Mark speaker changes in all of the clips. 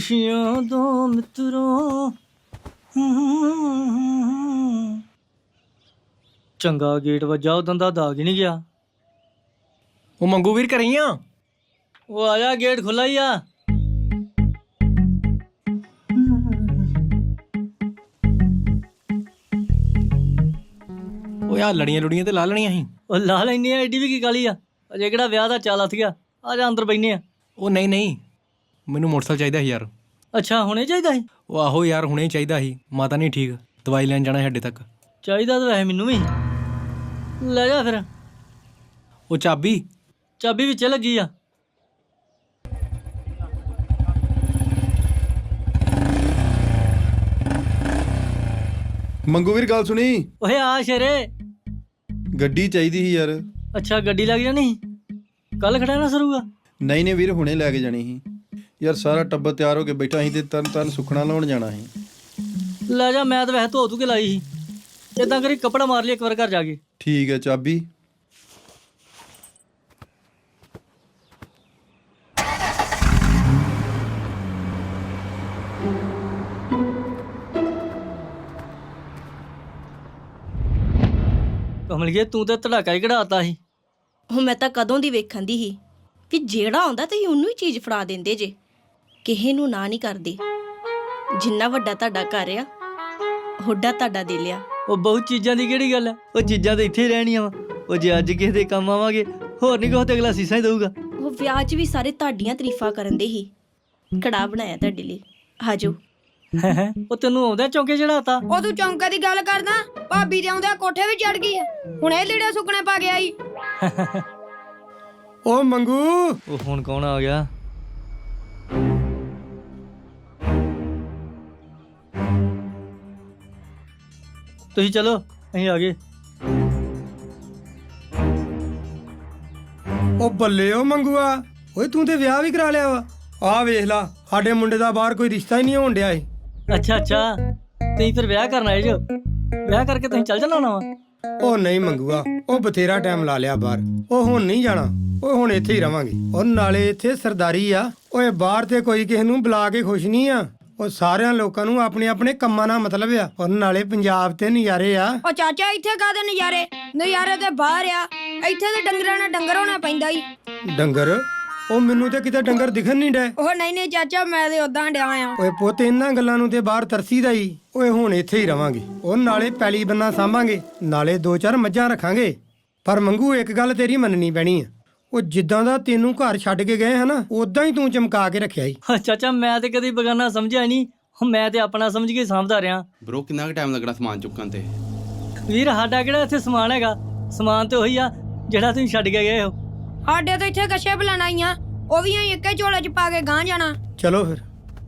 Speaker 1: ਖੁਸ਼ੀਆਂ ਦੋ ਮਿੱਤਰੋ। ਚੰਗਾ ਗੇਟ ਵੱਜਾ, ਉਦੋਂ ਦਾ ਦਾਗ ਹੀ ਨਹੀਂ ਗਿਆ।
Speaker 2: ਉਹ ਮੰਗੂ ਵੀਰ ਘਰੇ ਹੀ ਆ?
Speaker 1: ਉਹ ਆ ਜਾ, ਗੇਟ ਖੁੱਲਾ ਹੀ ਆ।
Speaker 2: ਉਹ ਯਾਰ ਲੜੀਆਂ ਲੁੜੀਆਂ ਤੇ ਲਾ ਲੈਣੀਆਂ ਸੀ।
Speaker 1: ਉਹ ਲਾ ਲੈਣੀ ਆ, ਐਡੀ ਵੀ ਕੀ ਕਾਲੀ ਆ? ਅਜੇ ਕਿਹੜਾ ਵਿਆਹ ਦਾ ਚਾਲ ਹੱਥ ਗਿਆ। ਆ ਜਾ ਅੰਦਰ ਬੈਠਨੇ ਆ।
Speaker 2: ਉਹ ਨਹੀਂ ਨਹੀਂ, ਮੈਨੂੰ ਮੋਟਰਸਾਈਕਲ ਚਾਹੀਦਾ ਸੀ ਯਾਰ।
Speaker 1: ਅੱਛਾ, ਹੁਣੇ ਚਾਹੀਦਾ ਸੀ?
Speaker 2: ਉਹ ਆਹੋ ਯਾਰ, ਹੁਣੇ ਹੀ ਚਾਹੀਦਾ ਸੀ। ਮਾਤਾ ਨਹੀਂ ਠੀਕ, ਦਵਾਈ ਲੈਣ ਜਾਣਾ ਸਾਡੇ ਤੱਕ।
Speaker 1: ਚਾਹੀਦਾ ਤਾਂ ਵੈਸੇ ਮੈਨੂੰ ਵੀ। ਲੈ ਜਾ ਫਿਰ।
Speaker 2: ਉਹ ਚਾਬੀ?
Speaker 1: ਚਾਬੀ ਵਿੱਚ ਲੱਗੀ ਆ।
Speaker 3: ਮੰਗੂ ਵੀਰ ਗੱਲ ਸੁਣੀ।
Speaker 1: ਓਏ ਆ ਸ਼ੇਰੇ।
Speaker 3: ਗੱਡੀ ਚਾਹੀਦੀ ਸੀ ਯਾਰ।
Speaker 1: ਅੱਛਾ, ਗੱਡੀ ਲੱਗ ਜਾਣੀ? ਕੱਲ ਖੜਾ ਨਾ ਸਰੂਗਾ?
Speaker 3: ਨਹੀਂ ਨਹੀਂ ਵੀਰ, ਹੁਣੇ ਲੈ ਕੇ ਜਾਣੀ ਸੀ ਯਾਰ। ਸਾਰਾ ਟੱਬਰ ਤਿਆਰ ਹੋ ਕੇ ਬੈਠਾ ਸੀ ਤੇ ਤਰਨ ਸੁਖਣਾ ਲਾਉਣ ਜਾਣਾ ਸੀ।
Speaker 1: ਲੈ ਜਾ, ਮੈਂ ਤਾਂ ਵੈਸੇ ਧੋ ਕੇ ਲਾਈ ਸੀ। ਏਦਾਂ ਕਰੀ ਕੱਪੜਾ ਮਾਰ ਲਈ ਇੱਕ ਵਾਰ ਘਰ ਜਾ ਕੇ।
Speaker 3: ਠੀਕ ਹੈ, ਚਾਬੀ?
Speaker 1: ਕਮਲੀਏ, ਤੂੰ ਤਾਂ ਧੜਾਕਾ ਹੀ ਕਢਾਤਾ ਸੀ।
Speaker 4: ਉਹ ਮੈਂ ਤਾਂ ਕਦੋਂ ਦੀ ਵੇਖਣ ਦੀ ਸੀ ਵੀ ਜਿਹੜਾ ਆਉਂਦਾ ਤੁਸੀਂ ਉਹਨੂੰ ਹੀ ਚੀਜ਼ ਫੜਾ ਦਿੰਦੇ ਜੇ, ਕਿਸੇ ਨੂੰ ਨਾ ਨਹੀਂ ਕਰਦੇ। ਜਿੰਨਾ ਵੱਡਾ ਤੁਹਾਡਾ ਘਰ ਆ, ਹੋਡਾ ਤੁਹਾਡਾ ਦੇ ਲਿਆ।
Speaker 1: ਉਹ ਬਹੁਤ ਚੀਜ਼ਾਂ ਦੀ ਕਿਹੜੀ ਗੱਲ ਆ? ਉਹ ਚੀਜ਼ਾਂ ਤਾਂ ਇੱਥੇ ਹੀ ਰਹਿਣੀਆਂ ਵਾ। ਉਹ ਜੇ ਅੱਜ ਕਿਸੇ ਦੇ ਕੰਮ ਆਵਾਂਗੇ, ਹੋਰ ਨਹੀਂ ਕਹੋ ਤੇ ਅਗਲਾ ਸੀਸਾਂ ਹੀ ਦਊਗਾ।
Speaker 4: ਉਹ ਵਿਆਹ 'ਚ ਵੀ ਸਾਰੇ ਤੁਹਾਡੀਆਂ ਤਾਰੀਫਾਂ ਕਰਨ ਦੇ ਸੀ। ਕੜਾਹ ਬਣਾਇਆ ਤੁਹਾਡੇ ਲਈ, ਆਜੋ।
Speaker 1: ਉਹ ਤੈਨੂੰ ਆਉਂਦਾ ਚੌਂਕੇ ਚੜਾਤਾ?
Speaker 5: ਉਹ ਤੂੰ ਚੌਂਕਾ ਦੀ ਗੱਲ ਕਰਦਾ? ਭਾਬੀ ਦੇ ਆਉਂਦਿਆਂ ਕੋਠੇ ਵੀ ਚੜ ਗਈ ਆ। ਹੁਣੇ ਲੀੜੇ ਸੁੱਕਣੇ ਪਾ ਗਿਆ ਈ।
Speaker 2: ਉਹ ਮੰਗੂ,
Speaker 1: ਉਹ ਹੁਣ ਕੌਣ ਆ ਗਿਆ? ਤੁਸੀਂ ਚਲੋ, ਅਸੀਂ ਆ ਗਏ।
Speaker 6: ਉਹ ਬੱਲੇ ਉਹ ਮੰਗੂਆ, ਓਏ ਤੂੰ ਤੇ ਵਿਆਹ ਵੀ ਕਰਾ ਲਿਆ ਵਾ। ਆਹ ਵੇਖ ਲਾ, ਸਾਡੇ ਮੁੰਡੇ ਦਾ ਬਾਹਰ ਕੋਈ ਰਿਸ਼ਤਾ ਹੀ ਨਹੀਂ ਹੋਣ ਡਿਆ ਏ।
Speaker 1: ਅੱਛਾ ਅੱਛਾ, ਤੁਸੀਂ ਫਿਰ ਵਿਆਹ ਕਰਨ ਆਏ ਜੋ? ਵਿਆਹ ਕਰਕੇ ਤੁਸੀਂ ਚੱਲ ਜਾਣਾ ਵਾ?
Speaker 6: ਉਹ ਨਹੀਂ ਮੰਗੂਆ, ਉਹ ਬਥੇਰਾ ਟਾਈਮ ਲਾ ਲਿਆ ਬਾਹਰ। ਉਹ ਹੁਣ ਨਹੀਂ ਜਾਣਾ, ਉਹ ਹੁਣ ਇੱਥੇ ਹੀ ਰਵਾਂਗੇ। ਉਹ ਨਾਲੇ ਇੱਥੇ ਸਰਦਾਰੀ ਆ। ਓਏ ਬਾਹਰ ਤੇ ਕੋਈ ਕਿਸੇ ਨੂੰ ਬੁਲਾ ਕੇ ਖੁਸ਼ ਨਹੀਂ ਆ। ਉਹ ਸਾਰਿਆਂ ਲੋਕਾਂ ਨੂੰ ਆਪਣੇ ਆਪਣੇ ਕੰਮਾਂ ਨਾਲ ਮਤਲਬ ਆ। ਔਰ ਨਾਲੇ ਪੰਜਾਬ ਤੇ ਨਜ਼ਾਰੇ ਆ।
Speaker 5: ਉਹ ਚਾਚਾ, ਇੱਥੇ ਕਾਹਦੇ ਨਜ਼ਾਰੇ? ਨਜ਼ਾਰੇ ਤੇ ਬਾਹਰ ਆ। ਇੱਥੇ ਤੇ ਡੰਗਰਾਂ ਨਾਲ ਡੰਗਰ ਹੋਣਾ ਪੈਂਦਾ ਈ।
Speaker 6: ਡੰਗਰ? ਉਹ ਮੈਨੂੰ ਤੇ ਕਿਤੇ ਡੰਗਰ ਦਿਖਣ ਨਹੀਂ ਡੇ।
Speaker 5: ਉਹ ਨਹੀਂ ਨਹੀਂ ਚਾਚਾ, ਮੈਂ ਤੇ ਉਦਾਂ ਡਿਆ ਆ।
Speaker 6: ਓਏ ਪੁੱਤ, ਇਹਨਾਂ ਗੱਲਾਂ ਨੂੰ ਤੇ ਬਾਹਰ ਤਰਸੀਦਾ ਹੀ। ਓਏ ਹੁਣ ਇੱਥੇ ਹੀ ਰਵਾਂਗੇ। ਉਹ ਨਾਲੇ ਪੈਲੀ ਬੰਨਾ ਸਾਂਭਾਂਗੇ, ਨਾਲੇ 2-4 ਮੱਝਾਂ ਰੱਖਾਂਗੇ। ਪਰ ਮੰਗੂ, ਇੱਕ ਗੱਲ ਤੇਰੀ ਮੰਨਣੀ ਪੈਣੀ ਆ। ਉਹ ਜਿੱਦਾਂ ਦਾ ਤੈਨੂੰ ਘਰ ਛੱਡ ਕੇ ਗਏ ਹਨਾ, ਉਦਾਂ ਹੀ ਤੂੰ ਚਮਕਾ ਕੇ ਰੱਖਿਆ ਈ।
Speaker 1: ਚਾਚਾ, ਮੈਂ ਤੇ ਕਦੀ ਬਗਾਨਾ ਸਮਝਿਆ ਨਹੀਂ। ਮੈਂ ਤੇ ਆਪਣਾ ਸਮਝ ਕੇ ਸਾਂਭਦਾ ਰਿਹਾ।
Speaker 7: ਬ్రో, ਕਿੰਨਾ ਕੁ ਟਾਈਮ ਲੱਗਣਾ ਸਮਾਨ ਚੁੱਕਣ ਤੇ?
Speaker 1: ਵੀਰ, ਸਾਡਾ ਕਿਹੜਾ ਇੱਥੇ ਸਮਾਨ ਹੈਗਾ? ਸਮਾਨ ਤੇ ਉਹੀ ਆ ਜਿਹੜਾ ਤੁਸੀਂ ਛੱਡ ਕੇ ਗਏ ਹੋ।
Speaker 5: ਸਾਡੇ ਤਾਂ ਇੱਥੇ ਕੱਛੇ ਬੁਲਾਣਾ ਆਈਆਂ, ਉਹ ਵੀ ਅਸੀਂ ਇੱਕੇ ਝੋਲੇ 'ਚ ਪਾ ਕੇ ਗਾਂਹ ਜਾਣਾ।
Speaker 6: ਚਲੋ ਫਿਰ।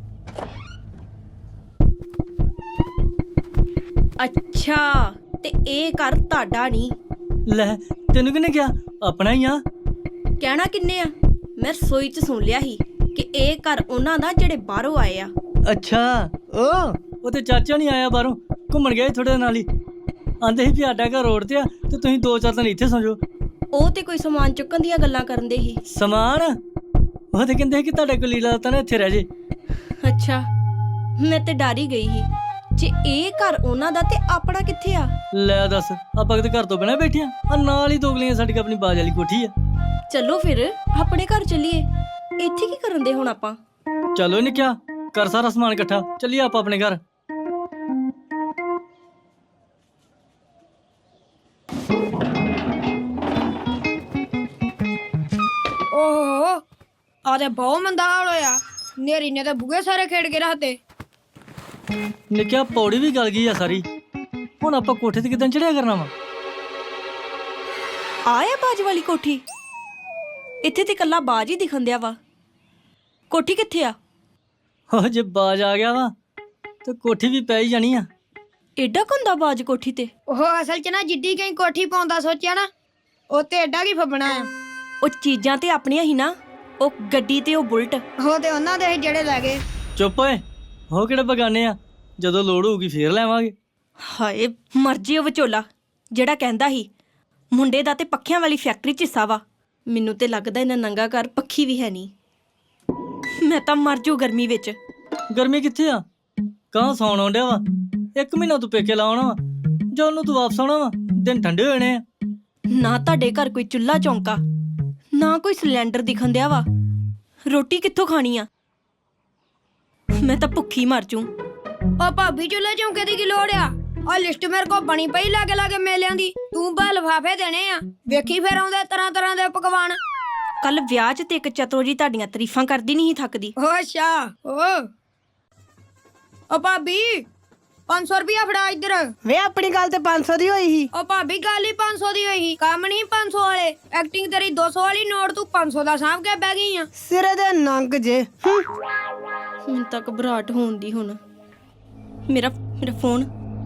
Speaker 4: ਅੱਛਾ, ਤੇ ਇਹ ਘਰ ਤੁਹਾਡਾ ਨਹੀਂ?
Speaker 1: ਲੈ, ਤੈਨੂੰ ਕਿਹਨੇ ਕਿਹਾ? ਆਪਣਾ ਹੀ ਆ।
Speaker 4: ਕਹਿਣਾ ਕਿੰਨੇ ਆ? ਮੈਂ ਰਸੋਈ 'ਚ ਸੁਣ ਲਿਆ ਸੀ ਕਿ ਇਹ ਘਰ ਉਹਨਾਂ ਦਾ ਜਿਹੜੇ ਬਾਹਰੋਂ ਆਏ ਆ।
Speaker 1: ਅੱਛਾ, ਉਹ ਤੇ ਚਾਚਾ ਨਹੀਂ ਆਇਆ ਬਾਹਰੋਂ, ਘੁੰਮਣ ਗਿਆ ਥੋੜੇ ਨਾਲ ਹੀ। ਆਂਦੇ ਸੀ ਵੀ ਸਾਡਾ ਘਰ ਰੋਡ ਤੇ ਆ ਤੇ ਤੁਸੀਂ 2-4 ਦਿਨ ਇੱਥੇ ਸੌਂ ਜਾਓ।
Speaker 4: ਉਹ ਤੇ ਕੋਈ ਸਮਾਨ ਚੁੱਕਣ ਦੀਆਂ ਗੱਲਾਂ ਕਰਨ ਦੇ ਸੀ।
Speaker 1: ਸਮਾਨ? ਉਹ ਤੇ ਕਹਿੰਦੇ ਕਿ ਤੁਹਾਡੇ ਕੋਲ ਲੀਲਾ ਤਾਂ ਨਾ ਇੱਥੇ ਰਹਿ ਜੇ।
Speaker 4: ਅੱਛਾ, ਮੈਂ ਤੇ ਡਰ ਹੀ ਗਈ ਸੀ। ਜੇ ਇਹ ਘਰ ਉਹਨਾਂ ਦਾ ਤੇ ਆਪਣਾ ਕਿੱਥੇ ਆ?
Speaker 1: ਲੈ ਦੱਸ, ਆਪਾਂ ਕਿਤੇ ਘਰ ਤੋਂ ਬਿਨਾਂ ਬੈਠੇ ਆ? ਨਾਲ ਹੀ ਦੋਗਲੀਆਂ ਸਾਡੀ ਆਪਣੀ ਬਾਜ ਵਾਲੀ ਕੋਠੀ ਆ।
Speaker 4: ਚਲੋ ਫਿਰ ਆਪਣੇ ਘਰ ਚੱਲੀਏ। ਇੱਥੇ ਕੀ ਕਰਨ ਦੇ ਹੁਣ ਆਪਾਂ?
Speaker 1: ਚਲੋ ਨਿੱਕਿਆ, ਕਰ ਸਾਰਾ ਸਮਾਨ ਇਕੱਠਾ, ਚੱਲੀਏ ਆਪਾਂ ਆਪਣੇ ਘਰ।
Speaker 5: ਓਹੋ, ਆ ਤੇ ਬਹੁਤ ਮੰਦਾ ਹਾਲ ਹੋਇਆ। ਨੇਰੀ ਨੇ ਤਾਂ ਬੂਹੇ ਸਾਰੇ ਖੇਡ ਕੇ ਰੱਖਦੇ।
Speaker 1: ਨਿੱਕਿਆ, ਪੌੜੀ ਵੀ ਗਲ ਗਈ ਆ ਸਾਰੀ। ਹੁਣ ਆਪਾਂ ਕੋਠੇ ਤੇ ਕਿੱਦਾਂ ਚੜਿਆ ਕਰਨਾ ਵਾ?
Speaker 4: ਆਇਆ ਬਾਜ ਵਾਲੀ ਕੋਠੀ? ਇੱਥੇ ਤੇ ਕੱਲਾ ਬਾਜ ਹੀ ਦਿਖਣ ਦਿਆ ਵਾ। ਕੋਠੀ ਕਿੱਥੇ ਆ?
Speaker 1: ਉਹ ਜੇ ਬਾਜ ਆ ਗਿਆ ਵਾ ਤੇ ਕੋਠੀ ਵੀ ਪੈ ਹੀ ਜਾਣੀ ਆ।
Speaker 4: ਏਡਾ ਕੁੰਦਾ ਬਾਜ ਕੋਠੀ ਤੇ?
Speaker 5: ਉਹ ਅਸਲ 'ਚ ਨਾ ਜਿੱਡੀ ਕਈ ਕੋਠੀ ਪਾਉਂਦਾ ਸੋਚਿਆ ਨਾ, ਉਹ ਤੇ ਐਡਾ ਕੀ ਫੱਬਣਾ ਆ।
Speaker 4: ਉਹ ਚੀਜ਼ਾਂ ਤੇ ਆਪਣੀਆਂ ਹੀ ਨਾ, ਉਹ ਗੱਡੀ ਤੇ ਉਹ ਬੁਲਟ।
Speaker 5: ਉਹ ਤੇ ਉਹਨਾਂ ਦੇ ਸੀ ਜਿਹੜੇ ਲੈ ਗਏ।
Speaker 1: ਚੁੱਪ ਓਏ, ਉਹ ਕਿਹੜੇ ਬਗਾਨੇ ਆ? ਜਦੋਂ ਲੋੜ ਹੋਊਗੀ ਫੇਰ ਲੈਵਾਂਗੇ।
Speaker 4: ਹਾਏ ਮਰਜੀ ਉਹ ਵਿਚੋਲਾ ਜਿਹੜਾ ਕਹਿੰਦਾ ਸੀ ਮੁੰਡੇ ਦਾ ਤੇ ਪੱਖਿਆਂ ਵਾਲੀ ਫੈਕਟਰੀ 'ਚ ਹਿੱਸਾ ਵਾ। ਮੈਨੂੰ ਤੇ ਲੱਗਦਾ ਇਹਨਾਂ ਨੰਗਾ ਘਰ ਪੱਖੀ ਵੀ ਹੈ ਨਹੀਂ। ਮੈਂ ਤਾਂ ਮਰ ਜੂ ਗਰਮੀ ਵਿੱਚ।
Speaker 1: ਗਰਮੀ ਕਿੱਥੇ ਆ? ਕਾਂ ਸੌਣ ਆਉਂਦਿਆ ਵਾ। 1 ਮਹੀਨਾ ਤੂੰ ਪੇਕੇ ਲਾਉਣਾ ਵਾ, ਜਦੋਂ ਨੂੰ ਤੂੰ ਵਾਪਸ ਆਉਣਾ ਵਾ ਦਿਨ ਠੰਡੇ ਹੋ ਜਾਣੇ ਆ।
Speaker 4: ਨਾ ਤੁਹਾਡੇ ਘਰ ਕੋਈ ਚੁੱਲ੍ਹਾ ਚੌਂਕਾ, ਨਾ ਕੋਈ ਸਿਲੰਡਰ ਦਿਖਣ ਦਿਆ ਵਾ। ਰੋਟੀ ਕਿੱਥੋਂ ਖਾਣੀ ਆ? ਮੈਂ ਤਾਂ ਭੁੱਖੀ ਮਰ ਜੂ।
Speaker 5: ਉਹ ਭਾਬੀ ਚੁੱਲ੍ਹੇ ਚੌਂਕੇ ਦੀ ਕੀ ਲੋੜ ਆ? ਆ ਲਿਸਟ ਮੇਰੇ ਕੋਲ ਬਣੀ ਪਈ ਲਾਗੇ ਲਾਗੇ ਮੇਲਿਆਂ ਦੀ। ਤੂੰ ਬਾ ਲਿਫਾਫੇ ਦੇਣੇ ਆ, ਵੇਖੀ ਫਿਰ ਆਉਂਦੇ ਤਰ੍ਹਾਂ ਤਰ੍ਹਾਂ ਦੇ ਪਕਵਾਨ।
Speaker 4: ਕੱਲ ਵਿਆਹ 'ਚ ਤੇ ਇੱਕ ਚਤਰੋ ਜੀ ਤੁਹਾਡੀਆਂ ਤਾਰੀਫਾਂ ਕਰਦੀ ਨਹੀਂ ਸੀ ਥੱਕਦੀ।
Speaker 5: ਓ ਅੱਛਾ ਓ ਭਾਬੀ 500 ਰੁਪਇਆ ਫੜਾ ਇੱਧਰ।
Speaker 8: ਵੇ ਆਪਣੀ ਗੱਲ ਤੇ 500 ਦੀ ਹੋਈ ਸੀ।
Speaker 5: ਓ ਭਾਬੀ ਗੱਲ ਹੀ 500 ਦੀ ਹੋਈ ਸੀ, ਕੰਮ ਨਹੀਂ 500 ਵਾਲੇ। ਐਕਟਿੰਗ ਤੇਰੀ 200 ਵਾਲੀ, ਨੋਟ ਤੂੰ 500 ਦਾ ਸਾਂਭ ਕੇ ਬਹਿ ਗਈ ਆ।
Speaker 8: ਸਿਰੇ ਦੇ ਨੰਗ ਜੇ।
Speaker 4: ਹੁਣ ਤੱਕ ਘਬਰਾਹਟ ਹੋਣ ਦੀ। ਹੁਣ ਮੇਰਾ ਫੋਨ।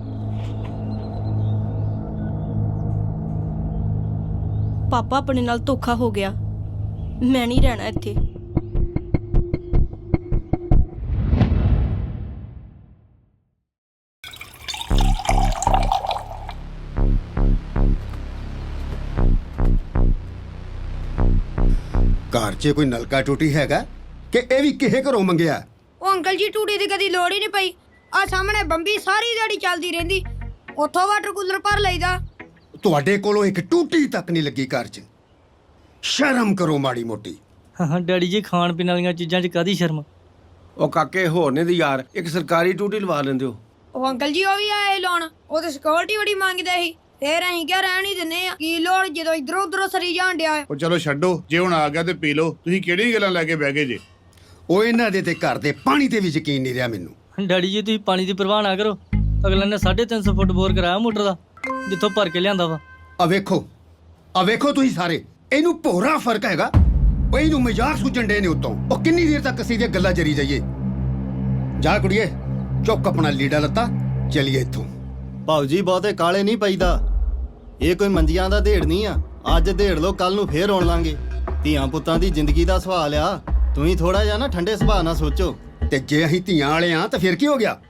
Speaker 4: ਪਾਪਾ ਆਪਣੇ ਨਾਲ ਧੋਖਾ ਹੋ ਗਿਆ। ਮੈਂ ਨਹੀਂ ਰਹਿਣਾ ਇੱਥੇ।
Speaker 9: ਘਰ 'ਚ ਕੋਈ ਨਲਕਾ ਟੂਟੀ ਹੈਗਾ ਕਿ ਇਹ ਵੀ ਕਿਸੇ ਘਰੋਂ ਮੰਗਿਆ?
Speaker 5: ਉਹ ਅੰਕਲ ਜੀ ਟੂਟੀ ਦੀ ਕਦੀ ਲੋੜ ਹੀ ਨਹੀਂ ਪਈ। ਆ ਸਾਹਮਣੇ ਬੰਬੀ ਸਾਰੀ ਦਿਹਾੜੀ ਚੱਲਦੀ ਰਹਿੰਦੀ, ਉੱਥੋਂ ਵਾਟਰ ਕੂਲਰ ਭਰ ਲਈਦਾ।
Speaker 9: ਤੁਹਾਡੇ ਕੋਲੋਂ ਇੱਕ ਟੂਟੀ ਤੱਕ ਨਹੀਂ ਲੱਗੀ ਘਰ 'ਚ। ਸ਼ਰਮ ਕਰੋ ਮਾੜੀ ਮੋਟੀ।
Speaker 1: ਹਾਂ ਡੈਡੀ ਜੀ, ਖਾਣ ਪੀਣ ਵਾਲੀਆਂ ਚੀਜ਼ਾਂ 'ਚ ਕਾਹਦੀ ਸ਼ਰਮ?
Speaker 10: ਉਹ ਕਾਕੇ ਹੋਰ ਨੇ ਦੀ ਯਾਰ, ਇੱਕ ਸਰਕਾਰੀ ਟੂਟੀ ਲਵਾ ਲੈਂਦੇ ਹੋ।
Speaker 5: ਉਹ ਅੰਕਲ ਜੀ ਉਹ ਵੀ ਆਏ ਲਾਉਣ, ਉਹ ਤੇ ਸਿਕਿਉਰਿਟੀ ਬੜੀ ਮੰਗਦੇ ਸੀ। ਫੇਰ ਅਸੀਂ ਕਿਹਾ ਰਹਿਣ ਹੀ ਦਿੰਨੇ ਆ, ਕੀ ਲੋੜ ਜਦੋਂ ਇਧਰੋਂ ਉਧਰੋਂ ਸਰੀ ਜਾਣ ਡਿਆ।
Speaker 11: ਉਹ ਚਲੋ ਛੱਡੋ, ਜੇ ਹੁਣ ਆ ਗਿਆ ਤੇ ਪੀ ਲਓ। ਤੁਸੀਂ ਕਿਹੜੀ ਗੱਲਾਂ ਲੈ ਕੇ ਬਹਿ ਗਏ ਜੇ?
Speaker 9: ਉਹ ਇਹਨਾਂ ਦੇ ਤੇ ਘਰ ਦੇ ਪਾਣੀ ਤੇ ਵੀ ਯਕੀਨ ਨਹੀਂ ਰਿਹਾ ਮੈਨੂੰ।
Speaker 1: ਡੈਡੀ ਜੀ ਤੁਸੀਂ ਪਾਣੀ ਦੀ ਪਰਵਾਹ ਨਾ ਕਰੋ। ਅਗਲੇ ਨੇ 350 ਫੁੱਟ ਬੋਰ ਕਰਾਇਆ ਮੋਟਰ ਦਾ, ਜਿੱਥੋਂ ਭਰ ਕੇ ਲਿਆਂਦਾ ਵਾ।
Speaker 9: ਆ ਵੇਖੋ ਤੁਸੀਂ ਸਾਰੇ, ਇਹਨੂੰ ਭੋਰਾ ਫਰਕ ਹੈਗਾ। ਉਹ ਇਹਨੂੰ ਮਜ਼ਾਕ ਸੁਝਣ ਡੇ ਨੇ ਉੱਤੋਂ। ਉਹ ਕਿੰਨੀ ਦੇਰ ਤੱਕ ਅਸੀਂ ਦੀਆਂ ਗੱਲਾਂ ਜਰੀ ਜਾਈਏ? ਜਾ ਕੁੜੀਏ, ਚੁੱਕ ਆਪਣਾ ਲੀੜਾ ਲੱਤਾ, ਚਲੀਏ ਇੱਥੋਂ।
Speaker 12: ਭਾਊ ਜੀ ਬਹੁਤੇ ਕਾਲੇ ਨਹੀਂ ਪਈਦਾ। ਇਹ ਕੋਈ ਮੰਜੀਆਂ ਦਾ ਢੇੜ ਨਹੀਂ ਆ। ਅੱਜ ਢੇੜ ਲੋ, ਕੱਲ ਨੂੰ ਫੇਰ ਆਉਣ ਲਾਂਗੇ। ਧੀਆਂ ਪੁੱਤਾਂ ਦੀ ਜ਼ਿੰਦਗੀ ਦਾ ਸਵਾਲ ਆ। ਤੁਸੀਂ ਥੋੜਾ ਜਿਹਾ ਨਾ ਠੰਡੇ ਸੁਭਾਅ ਨਾਲ ਸੋਚੋ।
Speaker 9: ਤੇ ਜੇ ਅਸੀਂ ਧੀਆਂ ਵਾਲੇ ਆ ਤਾਂ ਫਿਰ ਕੀ ਹੋ ਗਿਆ?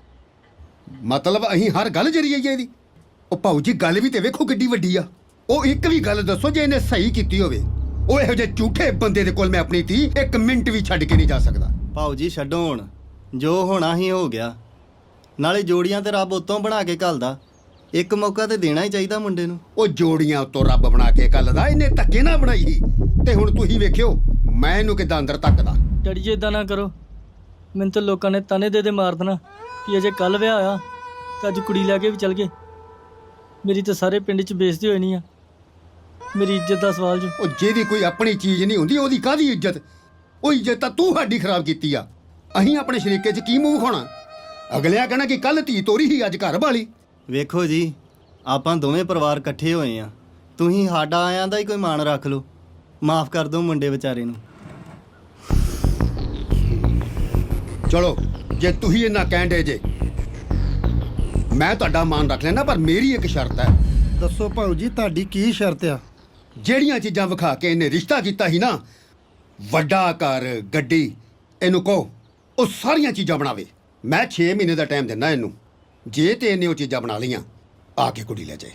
Speaker 9: ਮਤਲਬ ਅਸੀਂ ਹਰ ਗੱਲ ਜਰੀ ਜਾਈਏ ਇਹਦੀ? ਉਹ ਭਾਊ ਜੀ ਗੱਲ ਵੀ ਤੇ ਵੇਖੋ ਕਿੱਡੀ ਵੱਡੀ ਆ। ਉਹ ਇੱਕ ਵੀ ਗੱਲ ਦੱਸੋ ਜੇ ਇਹਨੇ ਸਹੀ ਕੀਤੀ ਹੋਵੇ। ਉਹ ਇਹੋ ਜਿਹੇ ਝੂਠੇ ਬੰਦੇ ਦੇ ਕੋਲ ਮੈਂ ਆਪਣੀ ਧੀ 1 ਮਿੰਟ ਵੀ ਛੱਡ ਕੇ ਨਹੀਂ ਜਾ ਸਕਦਾ।
Speaker 12: ਭਾਊ ਜੀ ਛੱਡੋ ਹੁਣ, ਜੋ ਹੋਣਾ ਹੀ ਹੋ ਗਿਆ। ਨਾਲੇ ਜੋੜੀਆਂ ਤੇ ਰੱਬ ਉਤੋਂ ਬਣਾ ਕੇ ਘੱਲਦਾ। ਇੱਕ ਮੌਕਾ ਤੇ ਦੇਣਾ ਹੀ ਚਾਹੀਦਾ ਮੁੰਡੇ ਨੂੰ।
Speaker 9: ਉਹ ਜੋੜੀਆਂ ਉਤੋਂ ਰੱਬ ਬਣਾ ਕੇ ਘੱਲਦਾ, ਇਹਨੇ ਧੱਕੇ ਨਾ ਬਣਾਈ ਸੀ। ਤੇ ਹੁਣ ਤੁਸੀਂ ਵੇਖਿਓ ਮੈਂ ਇਹਨੂੰ ਕਿੱਦਾਂ ਅੰਦਰ ਧੱਕਦਾ।
Speaker 1: ਡੈਡੀ ਜੀ ਇਦਾਂ ਨਾ ਕਰੋ, ਮੈਨੂੰ ਤਾਂ ਲੋਕਾਂ ਨੇ ਤਾਨੇ ਦੇ ਮਾਰ ਦੇਣਾ ਕਿ ਅਜੇ ਕੱਲ ਵਿਆਹ ਹੋਇਆ ਤੇ ਅੱਜ ਕੁੜੀ ਲੈ ਕੇ ਵੀ ਚਲ ਗਏ। ਮੇਰੀ ਤਾਂ ਸਾਰੇ ਪਿੰਡ 'ਚ ਬੇਇੱਜ਼ਤੀ ਹੋਈ ਨਹੀਂ ਆ। ਮੇਰੀ ਇੱਜ਼ਤ ਦਾ ਸਵਾਲ ਜੋ।
Speaker 9: ਉਹ ਜਿਹਦੀ ਕੋਈ ਆਪਣੀ ਚੀਜ਼ ਨਹੀਂ ਹੁੰਦੀ ਉਹਦੀ ਕਾਹਦੀ ਇੱਜ਼ਤ? ਉਹ ਇੱਜ਼ਤ ਤਾਂ ਤੂੰ ਸਾਡੀ ਖਰਾਬ ਕੀਤੀ ਆ। ਅਸੀਂ ਆਪਣੇ ਸ਼ਰੀਕੇ 'ਚ ਕੀ ਮੂੰਹ ਖਾਣਾ? ਅਗਲਿਆਂ ਕਹਿਣਾ ਕਿ ਕੱਲ ਧੀ ਤੋਰੀ ਸੀ, ਅੱਜ ਘਰ ਵਾਲੀ।
Speaker 12: ਵੇਖੋ ਜੀ, ਆਪਾਂ ਦੋਵੇਂ ਪਰਿਵਾਰ ਇਕੱਠੇ ਹੋਏ ਆ। ਤੁਸੀਂ ਸਾਡਾ ਆਇਆਂ ਦਾ ਹੀ ਕੋਈ ਮਾਣ ਰੱਖ ਲਓ। ਮਾਫ ਕਰ ਦਿਓ ਮੁੰਡੇ ਵਿਚਾਰੇ ਨੂੰ।
Speaker 9: ਚਲੋ ਜੇ ਤੁਸੀਂ ਇੰਨਾ ਕਹਿੰਦੇ ਜੇ, ਮੈਂ ਤੁਹਾਡਾ ਮਾਣ ਰੱਖ ਲੈਣਾ, ਪਰ ਮੇਰੀ ਇੱਕ ਸ਼ਰਤ ਹੈ।
Speaker 6: ਦੱਸੋ ਭਾਊ ਜੀ, ਤੁਹਾਡੀ ਕੀ ਸ਼ਰਤ ਆ?
Speaker 9: ਜਿਹੜੀਆਂ ਚੀਜ਼ਾਂ ਵਿਖਾ ਕੇ ਇਹਨੇ ਰਿਸ਼ਤਾ ਕੀਤਾ ਸੀ ਨਾ, ਵੱਡਾ ਘਰ, ਗੱਡੀ, ਇਹਨੂੰ ਕਹੋ ਉਹ ਸਾਰੀਆਂ ਚੀਜ਼ਾਂ ਬਣਾਵੇ। ਮੈਂ 6 ਮਹੀਨੇ ਦਾ ਟਾਈਮ ਦਿੰਦਾ ਇਹਨੂੰ। ਜੇ ਤੇ ਇਹਨੇ ਉਹ ਚੀਜ਼ਾਂ ਬਣਾ ਲਈਆਂ, ਆ ਕੇ ਕੁੜੀ ਲੈ ਜਾਏ।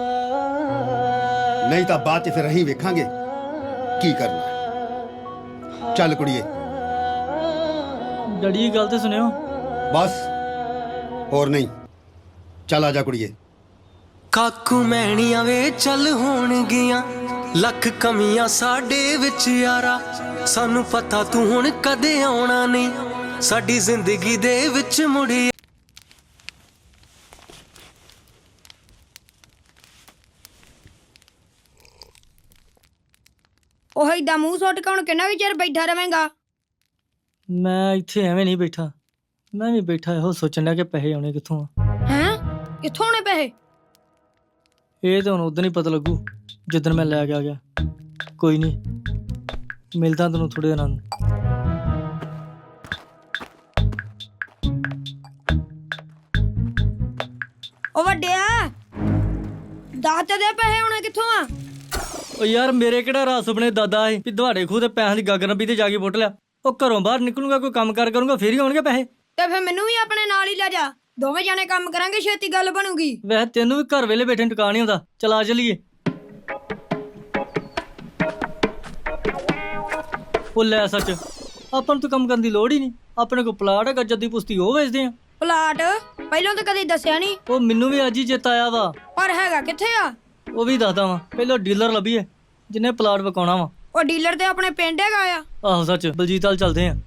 Speaker 9: ਨਹੀਂ ਤਾਂ ਬਾਅਦ 'ਚ ਫਿਰ ਅਸੀਂ ਵੇਖਾਂਗੇ ਕੀ ਕਰਨਾ। ਚੱਲ ਕੁੜੀਏ।
Speaker 1: ਡੈਡੀ ਜੀ ਗੱਲ ਤੇ ਸੁਣਿਓ।
Speaker 9: ਬਸ ਹੋਰ ਨਹੀਂ, ਚੱਲ ਆ ਜਾ ਕੁੜੀਏ।
Speaker 13: ਕਾਕੂ ਮੈਣੀਆਂ ਵੇ ਚੱਲ ਹੋਣਗੀਆਂ, ਲੱਖ ਕਮੀਆਂ ਸਾਡੇ ਵਿੱਚ ਯਾਰਾ। ਸਾਨੂੰ ਪਤਾ ਤੂੰ ਹੁਣ ਕਦੇ ਆਉਣਾ ਨਹੀਂ ਸਾਡੀ ਜ਼ਿੰਦਗੀ ਦੇ ਵਿੱਚ ਮੁੜੀ।
Speaker 5: ਉਹ ਏਦਾਂ ਮੂੰਹ ਸੁੱਟ ਕੇ ਹੁਣ ਕਿੰਨਾ ਕੁ ਚਿਰ ਬੈਠਾ ਰਵੇਂਗਾ?
Speaker 1: ਮੈਂ ਇੱਥੇ ਐਵੇਂ ਨਹੀਂ ਬੈਠਾ। ਮੈਂ ਵੀ ਬੈਠਾ ਇਹੋ ਸੋਚਣ ਲਿਆ ਕਿ ਪੈਸੇ ਆਉਣੇ ਕਿੱਥੋਂ ਆ।
Speaker 5: ਹੈਂ? ਕਿੱਥੋਂ ਆਉਣੇ ਪੈਸੇ?
Speaker 1: ਇਹ ਤਾਂ ਹੁਣ ਉਦੋਂ ਹੀ ਪਤਾ ਲੱਗੂ ਜਿੱਦਣ ਮੈਂ ਲੈ ਕੇ ਆ ਗਿਆ। ਕੋਈ ਨਹੀਂ, ਮਿਲਦਾ ਤੈਨੂੰ ਥੋੜੇ ਦਿਨਾਂ ਨੂੰ।
Speaker 5: ਉਹ ਵੱਡਿਆ, ਦੱਸ ਤੇ ਦੇ ਪੈਸੇ ਆਉਣੇ ਕਿੱਥੋਂ ਆ?
Speaker 1: ਉਹ ਯਾਰ ਮੇਰੇ ਕਿਹੜਾ ਰਾਤ ਸੁਪਨੇ ਦਾਦਾ ਏ ਵੀ ਦਵਾੜੇ ਖੂਹ ਤੇ ਪੈਸਿਆਂ ਦੀ ਗਾਗਰ ਨੱਬੀ ਤੇ ਜਾ ਕੇ ਪੁੱਟ ਲਿਆ। ਉਹ ਘਰੋਂ ਬਾਹਰ ਨਿਕਲੂੰਗਾ, ਕੋਈ ਕੰਮ ਕਾਰ ਕਰੂੰਗਾ, ਫੇਰ ਹੀ ਆਉਣਗੇ ਪੈਸੇ।
Speaker 5: ਤੇ ਫਿਰ ਮੈਨੂੰ ਵੀ ਆਪਣੇ ਨਾਲ ਹੀ ਲੈ ਜਾ, ਦੋਵੇਂ ਜਾਣੇ ਕੰਮ ਕਰਾਂਗੇ, ਛੇਤੀ ਗੱਲ ਬਣੂਗੀ।
Speaker 1: ਵੈਸੇ ਤੈਨੂੰ ਵੀ ਘਰ ਵੇਲੇ ਬੈਠੇ ਟਿਕਾ ਨਹੀਂ ਹੁੰਦਾ। ਚਲਾ ਚੱਲੀਏ। ਉਹ ਲੈ ਸੱਚ, ਆਪਾਂ ਨੂੰ ਤਾਂ ਕੰਮ ਕਰਨ ਦੀ ਲੋੜ ਹੀ ਨਹੀਂ। ਆਪਣੇ ਕੋਲ ਪਲਾਟ ਹੈਗਾ ਜੱਦੀ ਪੁਸਤੀ ਉਹ ਵੇਚਦੇ ਆ।
Speaker 5: ਪਲਾਟ ਪਹਿਲਾਂ ਤਾਂ ਕਦੇ ਦੱਸਿਆ ਨਹੀਂ।
Speaker 1: ਉਹ ਮੈਨੂੰ ਵੀ ਅੱਜ ਹੀ ਚੇਤਾ ਆਇਆ ਵਾ।
Speaker 5: ਪਰ ਹੈਗਾ ਕਿੱਥੇ ਆ?
Speaker 1: ਉਹ ਵੀ ਦੱਸਦਾ ਵਾ, ਪਹਿਲਾਂ ਡੀਲਰ ਲੱਭੀਏ ਜਿਹਨੇ ਪਲਾਟ ਵਿਕਾਉਣਾ ਵਾ।
Speaker 5: ਉਹ ਡੀਲਰ ਤੇ ਆਪਣੇ ਪਿੰਡ ਹੈਗਾ ਆ।
Speaker 1: ਆਹੋ ਸੱਚ, ਬਲਜੀਤ ਵਾਲ ਚੱਲਦੇ ਆ।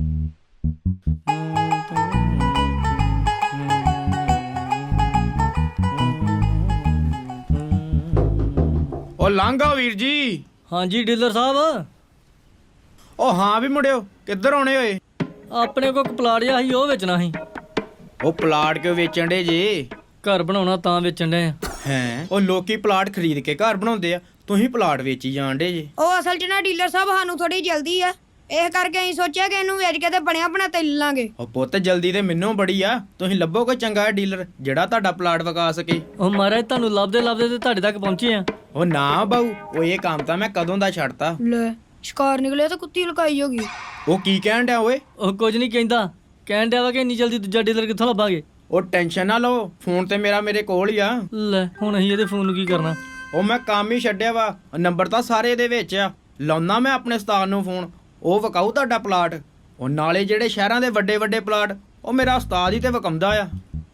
Speaker 10: ਉਹ ਲਾਂਘਾ ਵੀਰ ਜੀ।
Speaker 1: ਹਾਂਜੀ ਡੀਲਰ ਸਾਹਿਬ।
Speaker 10: ਉਹ ਹਾਂ ਵੀ ਮੁੰਡਿਓ, ਕਿੱਧਰ ਆਉਣੇ ਹੋਏ?
Speaker 1: ਆਪਣੇ ਕੋਲ ਇੱਕ ਪਲਾਟ ਜਿਹਾ ਸੀ ਉਹ ਵੇਚਣਾ ਸੀ।
Speaker 10: ਉਹ ਪਲਾਟ ਕਿਉਂ ਵੇਚਣ ਡੇ ਜੇ?
Speaker 1: ਘਰ ਬਣਾਉਣਾ ਤਾਂ ਵੇਚਣ ਦੇ ਆ।
Speaker 10: ਹੈ ਉਹ ਲੋਕੀ ਪਲਾਟ ਖਰੀਦ ਕੇ ਘਰ ਬਣਾਉਂਦੇ ਆ, ਤੁਸੀਂ ਪਲਾਟ ਵੇਚੀ ਜਾਣ ਡੇ ਜੇ।
Speaker 5: ਉਹ ਅਸਲ 'ਚ ਨਾ ਡੀਲਰ ਸਾਹਿਬ ਸਾਨੂੰ ਥੋੜੀ ਜਲਦੀ ਆ, ਇਸ ਕਰਕੇ ਅਸੀਂ ਸੋਚਿਆ ਕਿ ਇਹਨੂੰ ਵੇਚ ਕੇ ਤੇ ਬਣਿਆ ਬਣਾ ਤੇ ਲੈ ਲਾਂਗੇ।
Speaker 10: ਉਹ ਪੁੱਤ ਜਲਦੀ ਤੇ ਮੈਨੂੰ ਬੜੀ ਆ, ਤੁਸੀਂ ਲੱਭੋ ਕੋਈ ਚੰਗਾ ਡੀਲਰ ਜਿਹੜਾ ਤੁਹਾਡਾ ਪਲਾਟ ਵਿਕਾ ਸਕੇ।
Speaker 1: ਉਹ ਮਹਾਰਾਜ ਤੁਹਾਨੂੰ ਲੱਭਦੇ ਲੱਭਦੇ ਤੇ ਤੁਹਾਡੇ ਤੱਕ ਪਹੁੰਚੇ ਆ।
Speaker 10: ਉਹ ਨਾ ਬਾਊ, ਉਹ ਇਹ ਕੰਮ ਤਾਂ ਮੈਂ ਕਦੋਂ ਦਾ ਛੱਡਤਾ।
Speaker 5: ਲੈ ਸ਼ਿਕਾਰ ਨਿਕਲਿਆ ਤਾਂ ਕੁੱਤੀ ਲੁਕਾਈ ਹੋਗੀ।
Speaker 10: ਉਹ ਕੀ ਕਹਿਣ ਡਿਆ ਓਏ?
Speaker 1: ਉਹ ਕੁਝ ਨਹੀਂ ਕਹਿੰਦਾ, ਕਹਿਣ ਡਿਆ ਵਾ ਕਿ ਇੰਨੀ ਜਲਦੀ ਦੂਜਾ ਡੀਲਰ ਕਿੱਥੋਂ ਲੱਭਾਂਗੇ।
Speaker 10: ਉਹ ਟੈਨਸ਼ਨ ਨਾ ਲਓ, ਫੋਨ ਤੇ ਮੇਰਾ ਮੇਰੇ ਕੋਲ ਹੀ ਆ।
Speaker 1: ਲੈ ਹੁਣ ਅਸੀਂ ਇਹਦੇ ਫੋਨ ਨੂੰ ਕੀ ਕਰਨਾ।
Speaker 10: ਉਹ ਮੈਂ ਕੰਮ ਹੀ ਛੱਡਿਆ ਵਾ, ਨੰਬਰ ਤਾਂ ਸਾਰੇ ਇਹਦੇ ਵਿੱਚ ਆ। ਲਾਉਣਾ ਮੈਂ ਆਪਣੇ ਉਸਤਾਦ ਨੂੰ ਫੋਨ, ਉਹ ਵਿਕਾਊ ਤੁਹਾਡਾ ਪਲਾਟ। ਉਹ ਨਾਲੇ ਜਿਹੜੇ ਸ਼ਹਿਰਾਂ ਦੇ ਵੱਡੇ ਵੱਡੇ ਪਲਾਟ ਉਹ ਮੇਰਾ ਉਸਤਾਦ ਹੀ ਤੇ ਵਿਕਾਉਂਦਾ ਆ।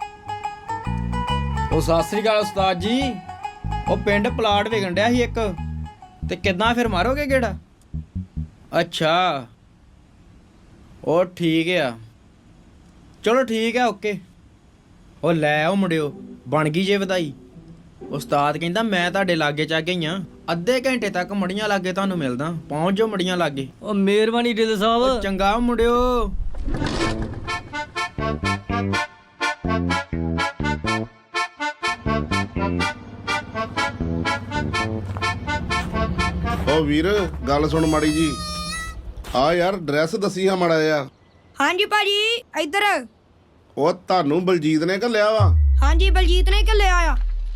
Speaker 10: ਉਹ ਸਤਿ ਸ੍ਰੀ ਅਕਾਲ ਉਸਤਾਦ ਜੀ। ਉਹ ਪਿੰਡ ਪਲਾਟ ਵਿਕਣ ਡਿਆ ਸੀ ਇੱਕ, ਤੇ ਕਿੱਦਾਂ ਫਿਰ ਮਾਰੋਗੇ ਕਿਹੜਾ? ਅੱਛਾ ਉਹ ਠੀਕ ਆ, ਚਲੋ ਠੀਕ ਆ, ਓਕੇ। ਉਹ ਲੈ ਉਹ ਮੁੰਡਿਓ, ਬਣ ਗਈ ਜੇ ਵਧਾਈ। ਉਸਤਾਦ ਕਹਿੰਦਾ ਮੈਂ ਤੁਹਾਡੇ ਲਾਗੇ ਚ ਆ ਗਈ ਆ, ਅੱਧੇ ਘੰਟੇ ਤੱਕ ਮੜੀਆਂ ਲਾਗੇ ਤੁਹਾਨੂੰ ਮਿਲਦਾ, ਪਹੁੰਚ ਜਾਓ ਮੜੀਆਂ ਲਾਗੇ।
Speaker 1: ਉਹ ਮਿਹਰਬਾਨੀ ਡੀਲਰ ਸਾਹਿਬ।
Speaker 10: ਚੰਗਾ ਮੁੰਡਿਓ।
Speaker 11: ਓ ਵੀਰ ਗੱਲ ਸੁਣ ਮਾੜੀ ਜੀ, ਆ ਯਾਰ ਡਰੈਸ ਦੱਸੀ ਆ ਮਾੜਾ ਜਿਹਾ।
Speaker 5: ਹਾਂਜੀ ਭਾਜੀ ਇੱਧਰ।
Speaker 11: ਉਹ ਤੁਹਾਨੂੰ ਬਲਜੀਤ ਨੇ ਘੱਲਿਆ ਵਾ?
Speaker 5: ਹਾਂਜੀ ਬਲਜੀਤ ਨੇ ਘੱਲਿਆ ਆ।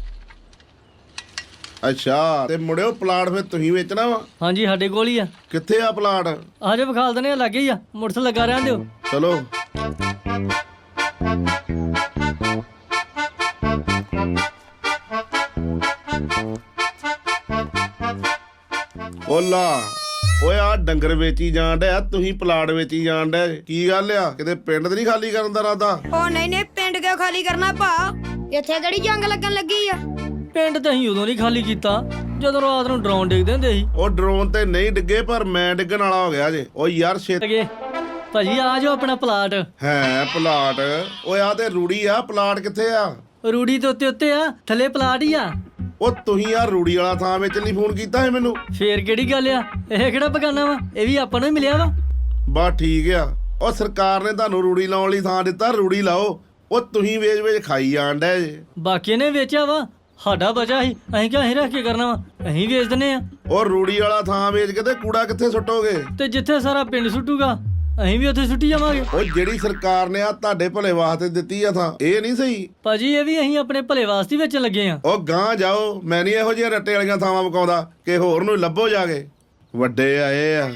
Speaker 11: ਅੱਛਾ, ਤੇ ਮੁੜਿਓ ਪਲਾਟ ਫਿਰ ਤੁਸੀਂ ਵੇਚਣਾ ਵਾ?
Speaker 1: ਹਾਂਜੀ ਸਾਡੇ ਕੋਲ ਹੀ ਆ।
Speaker 11: ਕਿੱਥੇ ਆ ਪਲਾਟ?
Speaker 1: ਆਜੋ ਵਿਖਾਲ ਦਨੇ, ਲੱਗੇ ਹੀ ਆ, ਮੋਟਰਸਾਈਕਲ ਲੱਗਾ ਰਹਿਣ ਦਿਓ।
Speaker 11: ਚਲੋ। ਓਲਾ ਓਏ ਆ ਡੰਗਰ ਵੇਚੀ ਜਾਣ ਡਿਆ, ਤੁਸੀਂ ਪਲਾਟ ਵੇਚੀ ਜਾਣ ਡਿਆ, ਕੀ ਗੱਲ ਆ? ਕਿਤੇ ਪਿੰਡ ਤੇ ਨਹੀਂ ਖਾਲੀ ਕਰਨ ਦਾ ਇਰਾਦਾ?
Speaker 5: ਉਹ ਨਹੀਂ ਨਹੀਂ, ਪਿੰਡ ਕਿਉਂ ਖਾਲੀ ਕਰਨਾ ਭਾ? ਇੱਥੇ ਕਿਹੜੀ ਜੰਗ ਲੱਗਣ ਲੱਗੀ ਆ?
Speaker 1: ਪਿੰਡ ਤਾਂ ਅਸੀਂ ਉਦੋਂ ਨਹੀਂ ਖਾਲੀ ਕੀਤਾ ਜਦੋਂ ਰਾਤ ਨੂੰ ਡਰੋਨ ਡਿੱਗਦੇ ਹੁੰਦੇ ਸੀ।
Speaker 11: ਉਹ ਡਰੋਨ ਤੇ ਨਹੀਂ ਡਿੱਗੇ, ਪਰ ਮੈਂ ਡਿੱਗਣ ਵਾਲਾ ਹੋ ਗਿਆ ਜੇ। ਓ ਯਾਰ
Speaker 1: ਲੱਗੇ ਭਾਜੀ ਆ ਜਾਓ ਆਪਣਾ ਪਲਾਟ।
Speaker 11: ਹੈ ਪਲਾਟ? ਓਏ ਆ ਤੇ ਰੂੜੀ ਆ, ਪਲਾਟ ਕਿੱਥੇ ਆ?
Speaker 1: ਰੂੜੀ ਦੇ ਉੱਤੇ ਆ, ਥੱਲੇ ਪਲਾਟ ਹੀ ਆ।
Speaker 11: ਉਹ ਤੁਸੀਂ ਆ ਰੂੜੀ ਵਾਲਾ ਥਾਂ ਵੇਚਣ ਲਈ ਫੋਨ ਕੀਤਾ ਹੈ ਮੈਨੂੰ?
Speaker 1: ਫੇਰ ਕਿਹੜੀ ਗੱਲ ਆ, ਇਹ ਕਿਹੜਾ ਬਗਾਨਾ ਵਾ, ਇਹ ਵੀ ਆਪਾਂ ਨੂੰ ਹੀ ਮਿਲਿਆ ਵਾ।
Speaker 11: ਬਸ ਠੀਕ ਆ। ਉਹ ਸਰਕਾਰ ਨੇ ਤੁਹਾਨੂੰ ਰੂੜੀ ਲਾਉਣ ਲਈ ਥਾਂ ਦਿੱਤਾ, ਰੂੜੀ ਲਾਓ। ਉਹ ਤੁਸੀਂ ਵੇਚ ਖਾਈ ਜਾਣ ਡਏ ਜੇ।
Speaker 1: ਬਾਕੀ ਨੇ ਵੇਚਿਆ ਵਾ, ਸਾਡਾ ਬਚਾ ਸੀ, ਅਸੀਂ ਕਿਹਾ ਅਸੀਂ ਰੱਖ ਕੇ ਕਰਨਾ ਵਾ, ਅਸੀਂ ਵੇਚ ਦਿੰਨੇ ਆ।
Speaker 11: ਉਹ ਰੂੜੀ ਵਾਲਾ ਥਾਂ ਵੇਚ ਕੇ ਤੇ ਕੂੜਾ ਕਿੱਥੇ ਸੁੱਟੋਗੇ?
Speaker 1: ਤੇ ਜਿੱਥੇ ਸਾਰਾ ਪਿੰਡ ਸੁੱਟੂਗਾ ਅਸੀਂ ਵੀ ਉੱਥੇ ਸੁੱਟੀ ਜਾਵਾਂਗੇ।
Speaker 11: ਉਹ ਜਿਹੜੀ ਸਰਕਾਰ ਨੇ ਆ ਤੁਹਾਡੇ ਭਲੇ ਵਾਸਤੇ ਦਿੱਤੀ ਆ ਥਾਂ, ਇਹ ਨਹੀਂ ਸਹੀ
Speaker 1: ਭਾਜੀ, ਇਹ ਵੀ ਅਸੀਂ ਆਪਣੇ ਭਲੇ ਵਾਸਤੇ ਵੇਚਣ ਲੱਗੇ ਆ।
Speaker 11: ਉਹ ਗਾਂ ਜਾਓ, ਮੈਂ ਨਹੀਂ ਇਹੋ ਜਿਹੀਆਂ ਰੱਟੇ ਵਾਲੀਆਂ ਥਾਵਾਂ ਵਿਕਾਉਂਦਾ ਕਿ ਹੋਰ ਨੂੰ ਲੱਭੋ ਜਾ ਕੇ। ਵੱਡੇ ਆਏ ਆ।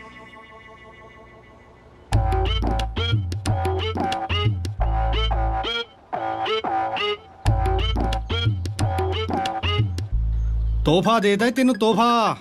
Speaker 2: ਤੋਹਫਾ ਦੇਦਾ ਤੈਨੂੰ, ਤੋਹਫਾ।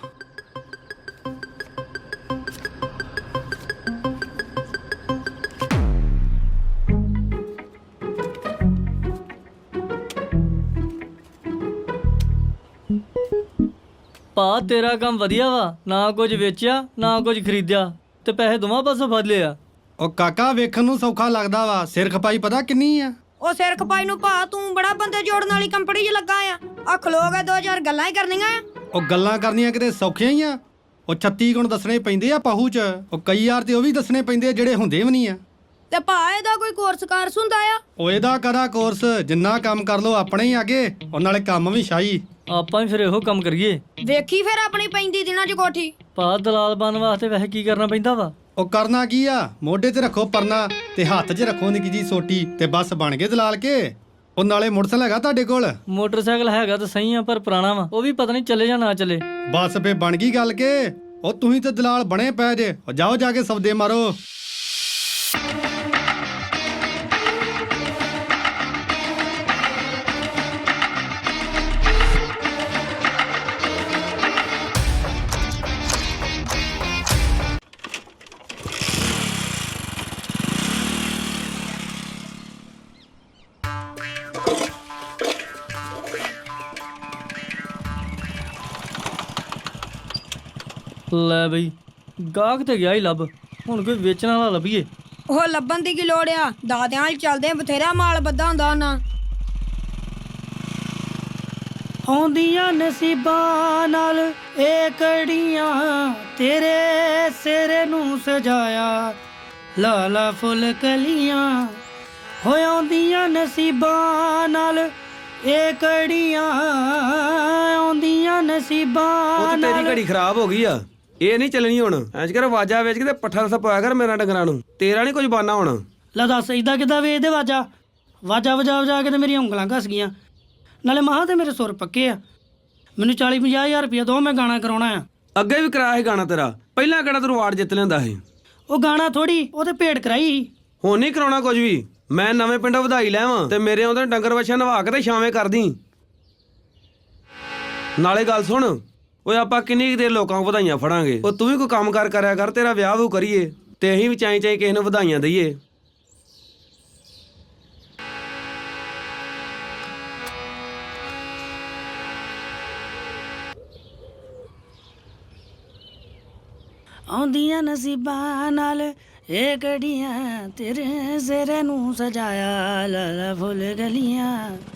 Speaker 1: ਭਾ ਤੇਰਾ ਕੰਮ ਵਧੀਆ ਵਾ, ਨਾ ਕੁਝ ਵੇਚਿਆ ਨਾ ਕੁਝ ਖਰੀਦਿਆ, ਤੇ ਪੈਸੇ ਦੋਵਾਂ ਪਾਸੋਂ ਫੜ ਲਿਆ।
Speaker 2: ਉਹ ਕਾਕਾ ਵੇਖਣ ਨੂੰ ਸੌਖਾ ਲੱਗਦਾ ਵਾ, ਸਿਰ ਖਪਾਈ ਪਤਾ ਕਿੰਨੀ ਆ?
Speaker 5: ਉਹ ਸਿਰ ਖਪਾਈ ਨੂੰ ਭਾ ਤੂੰ ਬੜਾ ਬੰਦੇ ਜੋੜਨ ਵਾਲੀ ਕੰਪਨੀ 'ਚ ਲੱਗਾ ਆ ਖਲੋ ਕੇ 2000 ਗੱਲਾਂ ਹੀ ਕਰਨੀਆਂ ਆ।
Speaker 2: ਉਹ ਗੱਲਾਂ ਕਰਨੀਆਂ ਕਿਤੇ ਸੌਖੀਆਂ ਹੀ ਆ? ਉਹ 36 ਗੁਣ ਦੱਸਣੇ ਪੈਂਦੇ ਆ ਪਾਹੂ 'ਚ, ਉਹ ਕਈ ਯਾਰ ਤੇ ਉਹ ਵੀ ਦੱਸਣੇ ਪੈਂਦੇ ਆ ਜਿਹੜੇ ਹੁੰਦੇ ਵੀ ਨਹੀਂ ਆ।
Speaker 5: ਤੇ ਭਾ ਇਹਦਾ ਕੋਈ ਕੋਰਸ ਕਾਰਸ ਹੁੰਦਾ ਆ?
Speaker 2: ਉਹ ਇਹਦਾ ਕਦਾ ਕੋਰਸ, ਜਿੰਨਾ ਕੰਮ ਕਰ ਲੋ ਆਪਣੇ ਹੀ ਆਗੇ, ਉਹ ਨਾਲੇ ਕੰਮ ਵੀ ਸ਼ਾਹੀ।
Speaker 1: ਆਪਾਂ ਵੀ ਫਿਰ ਇਹੋ ਕੰਮ ਕਰੀਏ।
Speaker 5: ਵੇਖੀ ਫਿਰ ਆਪਣੀ ਪੈਂਦੀ ਦਿਨਾਂ 'ਚ ਕੋਠੀ।
Speaker 1: ਭਾ ਦਲਾਲ ਬਣਨ ਵਾਸਤੇ ਵੈਸੇ ਕੀ ਕਰਨਾ ਪੈਂਦਾ ਵਾ?
Speaker 2: ਉਹ ਕਰਨਾ ਕੀ ਆ, ਮੋਢੇ ਤੇ ਰੱਖੋ ਪਰਨਾ ਤੇ ਹੱਥ 'ਚ ਰੱਖੋ ਨਿੱਕੀ ਜੀ ਸੋਟੀ, ਤੇ ਬਸ ਬਣ ਗਏ ਦਲਾਲ ਕੇ। ਉਹ ਨਾਲੇ ਮੋਟਰਸਾਈਕਲ ਹੈਗਾ ਤੁਹਾਡੇ ਕੋਲ?
Speaker 1: ਮੋਟਰਸਾਈਕਲ ਹੈਗਾ ਤਾਂ ਸਹੀ ਆ, ਪਰ ਪੁਰਾਣਾ ਵਾ, ਉਹ ਵੀ ਪਤਾ ਨਹੀਂ ਚੱਲੇ ਜਾਂ ਨਾ ਚੱਲੇ।
Speaker 2: ਬਸ ਫੇ ਬਣ ਗਈ ਗੱਲ ਕੇ। ਉਹ ਤੁਸੀਂ ਤੇ ਦਲਾਲ ਬਣੇ ਪਏ ਜੇ, ਉਹ ਜਾਓ ਜਾ ਕੇ ਸੌਦੇ ਮਾਰੋ।
Speaker 1: ਲੈ ਬਈ ਗਾਹਕ ਤੇ ਗਿਆ ਹੀ ਲੱਭ, ਹੁਣ ਕੋਈ ਵੇਚਣ ਵਾਲਾ ਲੱਭੀਏ।
Speaker 5: ਉਹ ਲੱਭਣ ਦੀ ਕੀ ਲੋੜ ਆ, ਦਾਦਿਆਂ ਨਾਲ ਚੱਲਦੇ ਆ, ਬਥੇਰਾ ਮਾਲ ਬੱਧਾ ਹੁੰਦਾ ਉਹਨਾਂ।
Speaker 8: ਆਉਂਦੀਆਂ ਨਸੀਬਾਂ ਨਾਲ ਇਹ ਕੜੀਆਂ ਤੇਰੇ ਸਿਰ ਨੂੰ ਸਜਾਇਆ, ਲਾਲਾ ਫੁੱਲ ਕਲੀਆਂ ਹੋ ਆਉਂਦੀਆਂ ਨਸੀਬਾਂ ਨਾਲ ਇਹ ਕੜੀਆਂ, ਆਉਂਦੀਆਂ ਨਸੀਬਾਂ ਨਾਲ।
Speaker 14: ਤੇਰੀ ਘੜੀ ਖਰਾਬ ਹੋ ਗਈ ਆ, ਇਹ ਨਹੀਂ ਚੱਲਣੀ ਹੁਣ। ਐਂਜ ਕਰ ਵਾਜਾ ਵੇਚ ਕੇ ਤੇ ਪੱਠਾ ਰਸਾ ਪਾਇਆ ਕਰ ਮੇਰਾ ਡੰਗਰਾਂ ਨੂੰ, ਤੇਰਾ ਨਹੀਂ ਕੁਝ ਬਾਨਾ ਹੁਣ।
Speaker 8: ਲੈ ਦੱਸ ਇਦਾਂ ਕਿੱਦਾਂ ਵੇਚਦੇ ਵਾਜਾ ਵਜਾ ਵਜਾ ਕੇ ਤੇ ਮੇਰੀਆਂ ਉਂਗਲਾਂ ਘਸ ਗਈਆਂ। ਨਾਲੇ ਮਹਾਂ ਤੇ ਮੇਰੇ ਸੁਰ ਪੱਕੇ ਆ, ਮੈਨੂੰ 40-50 ਹਜ਼ਾਰ ਰੁਪਇਆ ਦੋ, ਮੈਂ ਗਾਣਾ ਕਰਾਉਣਾ ਆ।
Speaker 14: ਅੱਗੇ ਵੀ ਕਰਾਇਆ ਸੀ ਗਾਣਾ ਤੇਰਾ, ਪਹਿਲਾਂ ਕਿਹੜਾ ਤੂੰ ਅਵਾਰਡ ਜਿੱਤ ਲੈਂਦਾ ਸੀ।
Speaker 8: ਉਹ ਗਾਣਾ ਥੋੜੀ, ਉਹ ਤੇ ਭੇਡ ਕਰਾਈ ਸੀ।
Speaker 14: ਹੁਣ ਨਹੀਂ ਕਰਾਉਣਾ ਕੁਝ ਵੀ। ਮੈਂ ਨਵੇਂ ਪਿੰਡੋਂ ਵਧਾਈ ਲੈਵਾਂ ਤੇ ਮੇਰੇ ਆਉਂਦੇ ਡੰਗਰ ਵੱਛਾ ਨਵਾ ਕੇ ਤੇ ਛਾਵੇਂ ਕਰਦੀ। ਨਾਲੇ ਗੱਲ ਸੁਣ, ਓਏ ਆਪਾਂ ਕਿੰਨੀ ਕੁ ਦੇਰ ਲੋਕਾਂ ਨੂੰ ਵਧਾਈਆਂ ਫੜਾਂਗੇ। ਉਹ ਤੂੰ ਵੀ ਕੋਈ ਕੰਮ ਕਾਰ ਕਰਿਆ ਕਰ, ਤੇਰਾ ਵਿਆਹ ਵੂ ਕਰੀਏ ਤੇ ਅਸੀਂ ਵੀ ਚਾਈ ਕਿਸੇ ਨੂੰ ਵਧਾਈਆਂ ਦਈਏ।
Speaker 8: ਆਉਂਦੀਆਂ ਨਸੀਬਾਂ ਨਾਲ ਇਹ ਕੜੀਆਂ ਤੇਰੇ ਸਿਰ ਨੂੰ ਸਜਾਇਆ, ਲਾਲਾ ਫੁੱਲ ਗਲੀਆਂ।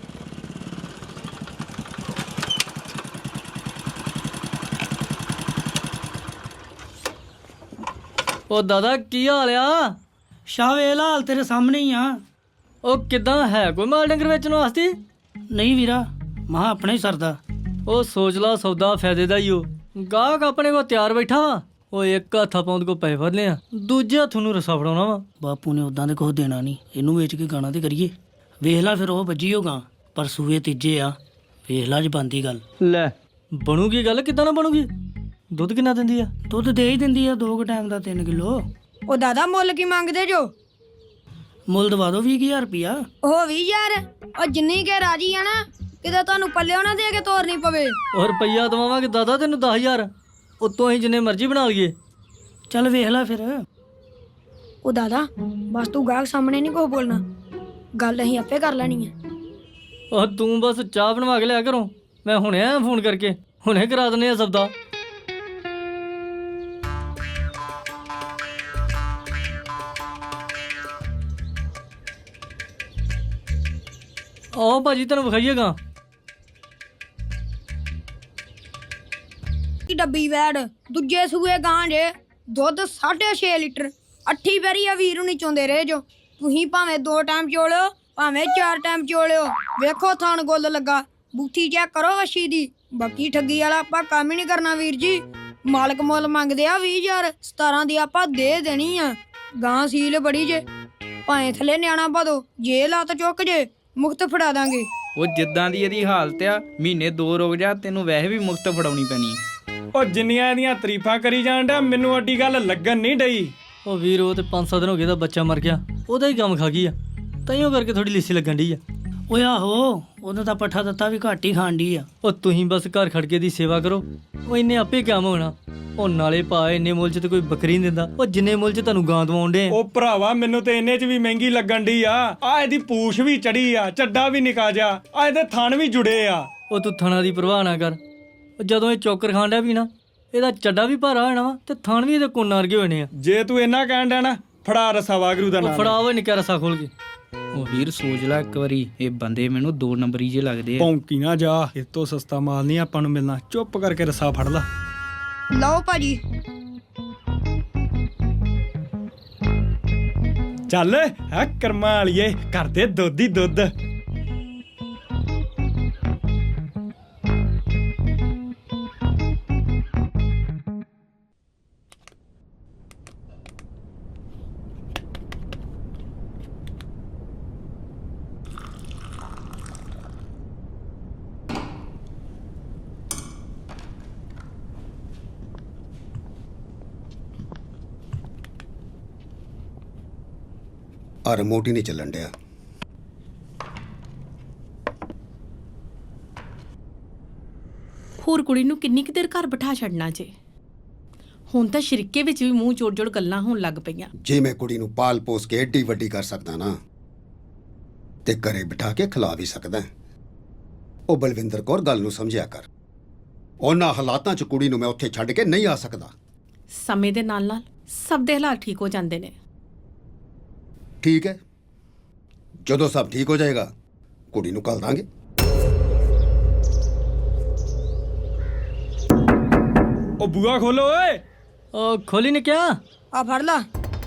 Speaker 1: ਉਹ ਦਾਦਾ ਕੀ ਹਾਲ ਆ?
Speaker 8: ਸ਼ਾਹ ਲਾਲ ਤੇਰੇ ਸਾਹਮਣੇ ਹੀ ਆ।
Speaker 1: ਉਹ ਕਿਦਾਂ, ਹੈ ਕੋਈ ਮਾਲ ਡੰਗਰ ਵੇਚਣ ਵਾਸਤੇ?
Speaker 8: ਨਹੀਂ ਵੀਰਾ, ਮਹਾ ਆਪਣਾ ਹੀ ਸਰਦਾ।
Speaker 1: ਉਹ ਸੋਚ ਲਾ, ਸੌਦਾ ਫਾਇਦੇ ਦਾ ਹੀ ਉਹ। ਗਾਹਕ ਆਪਣੇ ਕੋਲ ਤਿਆਰ ਬੈਠਾ ਵਾ, ਉਹ ਇੱਕ ਹੱਥਾਂ ਪਾਉਂਦ ਕੋ ਪੈਸੇ ਫੜ ਲਿਆ, ਦੂਜੇ ਹੱਥ ਨੂੰ ਰਸਾ ਫੜਾਉਣਾ ਵਾ।
Speaker 8: ਬਾਪੂ ਨੇ ਉਦਾਂ ਦੇ ਕੁਛ ਦੇਣਾ ਨਹੀਂ, ਇਹਨੂੰ ਵੇਚ ਕੇ ਗਾਣਾ ਤੇ ਕਰੀਏ। ਵੇਖ ਲਾ ਫਿਰ ਉਹ ਵੱਜੀ ਹੋਗਾ, ਪਰ ਸੂਏ ਤੀਜੇ ਆ। ਵੇਖ ਲਾ ਜਬਾਂਦੀ ਗੱਲ।
Speaker 1: ਲੈ ਬਣੂਗੀ ਗੱਲ, ਕਿੱਦਾਂ ਨਾ ਬਣੂਗੀ? ਦੁੱਧ ਕਿੰਨਾ ਦਿੰਦੀ ਆ?
Speaker 8: ਦੁੱਧ ਦੇ ਹੀ ਦਿੰਦੀ ਆ 2 ਟਾਈਮ ਦਾ 3 ਕਿਲੋ।
Speaker 5: ਉਹ ਦਾਦਾ ਮੁੱਲ ਕੀ ਮੰਗਦੇ ਜੋ?
Speaker 8: ਮੁੱਲ ਦਵਾ ਦੋ 20,000 ਰੁਪਇਆ।
Speaker 5: ਉਹ 20,000? ਉਹ ਜਿੰਨੀ ਕੇ ਰਾਜੀ ਆ ਨਾ, ਕਿਤੇ ਤੁਹਾਨੂੰ ਪੱਲਿਓ ਨਾ ਦੇ ਕੇ ਤੋਰਨੀ ਪਵੇ।
Speaker 1: ਉਹ ਰੁਪਈਆ ਦਵਾਵਾਂਗੇ ਦਾਦਾ ਤੈਨੂੰ 10,000, ਉਤੋਂ ਅਸੀਂ ਜਿੰਨੇ ਮਰਜ਼ੀ ਬਣਾ ਲਈਏ।
Speaker 8: ਚੱਲ ਵੇਖ ਲੈ ਫਿਰ।
Speaker 5: ਉਹ ਦਾਦਾ ਬਸ ਤੂੰ ਗਾਹਕ ਸਾਹਮਣੇ ਨਹੀਂ ਕੁਛ ਬੋਲਣਾ, ਗੱਲ ਅਸੀਂ ਆਪੇ ਕਰ ਲੈਣੀ ਹੈ।
Speaker 1: ਉਹ ਤੂੰ ਬਸ ਚਾਹ ਬਣਵਾ ਕੇ ਲਿਆ ਕਰੋ, ਮੈਂ ਹੁਣੇ ਆਇਆ ਫੋਨ ਕਰਕੇ, ਹੁਣੇ ਕਰਾ ਦਿੰਦੇ ਆ ਸਬਦਾ। ਆਓ ਭਾਜੀ ਤੈਨੂੰ ਵਿਖਾਈਏਗਾ।
Speaker 5: ਕੀ ਡੱਬੀ ਵੈੜ ਦੂਜੇ ਸੂਏ ਗਾਂ ਜੇ, ਦੁੱਧ 6.5 ਲੀਟਰ। 8 ਵਾਰੀ ਆ ਵੀਰ ਨਹੀਂ ਚੋਂਦੇ ਰਹੇ ਜੋ। ਤੁਸੀਂ ਭਾਵੇਂ 2 ਟਾਈਮ ਚੋਲਿਓ, ਭਾਵੇਂ 4 ਟਾਈਮ ਚੋਲਿਓ। ਵੇਖੋ ਥਣ ਗੁੱਲ ਲੱਗਾ, ਬੂਥੀ ਚੈੱਕ ਕਰੋ ਵੱਛੀ ਦੀ। ਬਾਕੀ ਠੱਗੀ ਵਾਲਾ ਆਪਾਂ ਕੰਮ ਹੀ ਨਹੀਂ ਕਰਨਾ ਵੀਰ ਜੀ। ਮਾਲਕ ਮੁੱਲ ਮੰਗਦੇ ਆ 20,000, 17 ਦੀ ਆਪਾਂ ਦੇ ਦੇਣੀ ਆ। ਗਾਂ ਸੀਲ ਬੜੀ ਜੇ, ਭਾਵੇਂ ਥੱਲੇ ਨਿਆਣਾ ਪਾ ਦੋ, ਜੇ ਲੱਤ ਚੁੱਕ ਜੇ ਮੁਕਤ ਫੜਾ ਦਾਂਗੇ।
Speaker 10: ਉਹ ਜਿੱਦਾਂ ਦੀ ਇਹਦੀ ਹਾਲਤ ਆ, ਮਹੀਨੇ 2 ਰੁਕ ਜਾ, ਤੈਨੂੰ ਵੈਸੇ ਵੀ ਮੁਕਤ ਫੜਾਉਣੀ ਪੈਣੀ।
Speaker 6: ਉਹ ਜਿੰਨੀਆਂ ਇਹਦੀਆਂ ਤਾਰੀਫਾਂ ਕਰੀ ਜਾਣ ਡਿਆ, ਮੈਨੂੰ ਅੱਡੀ ਗੱਲ ਲੱਗਣ ਨਹੀਂ ਡਈ।
Speaker 1: ਉਹ ਵੀਰ ਉਹ ਤੇ 5-7 ਦਿਨ ਹੋ ਗਏ ਦਾ ਬੱਚਾ ਮਰ ਗਿਆ, ਉਹਦਾ ਹੀ ਕੰਮ ਖਾ ਗਈ ਆ, ਤਾਈਓ ਕਰਕੇ ਥੋੜੀ ਲਿੱਸੀ ਲੱਗਣ ਡਈ ਆ।
Speaker 8: ਓਏ ਆਹੋ, ਉਹਦਾ ਤਾਂ ਪੱਠਾ ਦਿੱਤਾ ਵੀ ਘੱਟ ਹੀ ਖਾਣ ਡਈ ਆ।
Speaker 1: ਉਹ ਤੁਸੀਂ ਬਸ ਘਰ ਖੜਕੇ ਦੀ ਸੇਵਾ ਕਰੋ, ਉਹ ਇੰਨੇ ਆਪੇ ਕੰਮ ਹੋਣਾ। ਉਹ ਨਾਲੇ ਭਾ ਇੰਨੇ ਮੁੱਲ 'ਚ ਤੇ ਕੋਈ ਬੱਕਰੀ ਨਹੀਂ ਦਿੰਦਾ, ਉਹ ਜਿੰਨੇ ਮੁੱਲ 'ਚ ਤੁਹਾਨੂੰ ਗਾਂ ਦਵਾਉਣ ਡੇ।
Speaker 6: ਉਹ ਭਰਾਵਾ ਮੈਨੂੰ ਤੇ ਇੰਨੇ 'ਚ ਵੀ ਮਹਿੰਗੀ ਲੱਗਣ ਡਈ ਆ। ਆ ਇਹਦੀ ਪੂਛ ਵੀ ਚੜੀ ਆ, ਚੱਡਾ ਵੀ ਨਿਕਾ ਜਾ, ਆ ਇਹਦੇ ਥਣ ਵੀ ਜੁੜੇ ਆ।
Speaker 1: ਉਹ ਤੂੰ ਥਣਾ ਦੀ ਪਰਵਾਹ ਨਾ ਕਰ, ਉਹ ਜਦੋਂ ਇਹ ਚੌਕਰ ਖਾਣ ਡਿਆ ਵੀ ਨਾ, ਇਹਦਾ ਚੱਡਾ ਵੀ ਭਾਰਾ ਹੋਣਾ ਵਾ ਤੇ ਥਣ ਵੀ ਇਹਦੇ ਕੋਨ ਵਰਗੇ ਹੋਣੇ ਆ।
Speaker 6: ਜੇ ਤੂੰ ਇੰਨਾ ਕਹਿਣ ਡਿਆ ਨਾ, ਫੜਾ ਰਸਾ ਵਾਗਰੂ ਦਾ ਨਾਮ।
Speaker 1: ਫੜਾ ਉਹ ਨਿੱਕਾ ਰਸਾ ਖੋਲ ਕੇ।
Speaker 10: ਉਹ ਵੀਰ ਸੋਚ ਲੈ ਇੱਕ ਵਾਰੀ, ਇਹ ਬੰਦੇ ਮੈਨੂੰ 2 ਨੰਬਰੀ ਜੇ ਲੱਗਦੇ ਆ।
Speaker 6: ਭੌਂਕੀ ਨਾ ਜਾ, ਇਸ ਤੋਂ ਸਸਤਾ ਮਾਲ ਨਹੀਂ ਆਪਾਂ ਨੂੰ ਮਿਲਣਾ। ਚੁੱਪ ਕਰਕੇ ਰਸਾ ਫੜ ਲਾ।
Speaker 5: ਲਓ ਭਾਜੀ।
Speaker 6: ਚੱਲ ਹੈ ਕਰਮਾਂ ਵਾਲੀਏ, ਕਰਦੇ ਦੁੱਧ ਹੀ ਦੁੱਧ।
Speaker 9: ਆ ਰਿਮੋਟ ਹੀ ਨਹੀਂ ਚੱਲਣ ਡਿਆ।
Speaker 15: ਹੋਰ ਕੁੜੀ ਨੂੰ ਕਿੰਨੀ ਕੁ ਦੇਰ ਘਰ ਬਿਠਾ ਛੱਡਣਾ ਜੇ? ਹੁਣ ਤਾਂ ਸ਼ਰੀਕੇ ਵਿੱਚ ਵੀ ਮੂੰਹ ਜੋੜ-ਜੋੜ ਗੱਲਾਂ ਹੋਣ ਲੱਗ ਪਈਆਂ।
Speaker 9: ਜੇ ਮੈਂ ਕੁੜੀ ਨੂੰ ਪਾਲ ਪੋਸ ਕੇ ਏਡੀ ਵੱਡੀ ਕਰ ਸਕਦਾ ਨਾ, ਤੇ ਘਰੇ ਬਿਠਾ ਕੇ ਖਿਲਾ ਵੀ ਸਕਦਾ। ਉਹ ਬਲਵਿੰਦਰ ਕੌਰ ਗੱਲ ਨੂੰ ਸਮਝਿਆ ਕਰ। ਉਹਨਾਂ ਹਾਲਾਤਾਂ 'ਚ ਕੁੜੀ ਨੂੰ ਮੈਂ ਉੱਥੇ ਛੱਡ ਕੇ ਨਹੀਂ ਆ ਸਕਦਾ।
Speaker 15: ਸਮੇਂ ਦੇ ਨਾਲ ਨਾਲ ਸਭ ਦੇ ਹਾਲਾਤ ਠੀਕ ਹੋ ਜਾਂਦੇ ਨੇ।
Speaker 9: ਠੀਕ ਹੈ, ਜਦੋਂ ਸਭ ਠੀਕ ਹੋ ਜਾਏਗਾ ਕੁੜੀ ਨੂੰ ਘੱਲ ਦਾਂਗੇ।
Speaker 10: ਉਹ ਬੂਆ ਖੋਲੋ ਓਏ।
Speaker 1: ਉਹ ਖੋਲੀ ਨੇ ਕਿਆ?
Speaker 5: ਆ ਫੜ ਲਾ।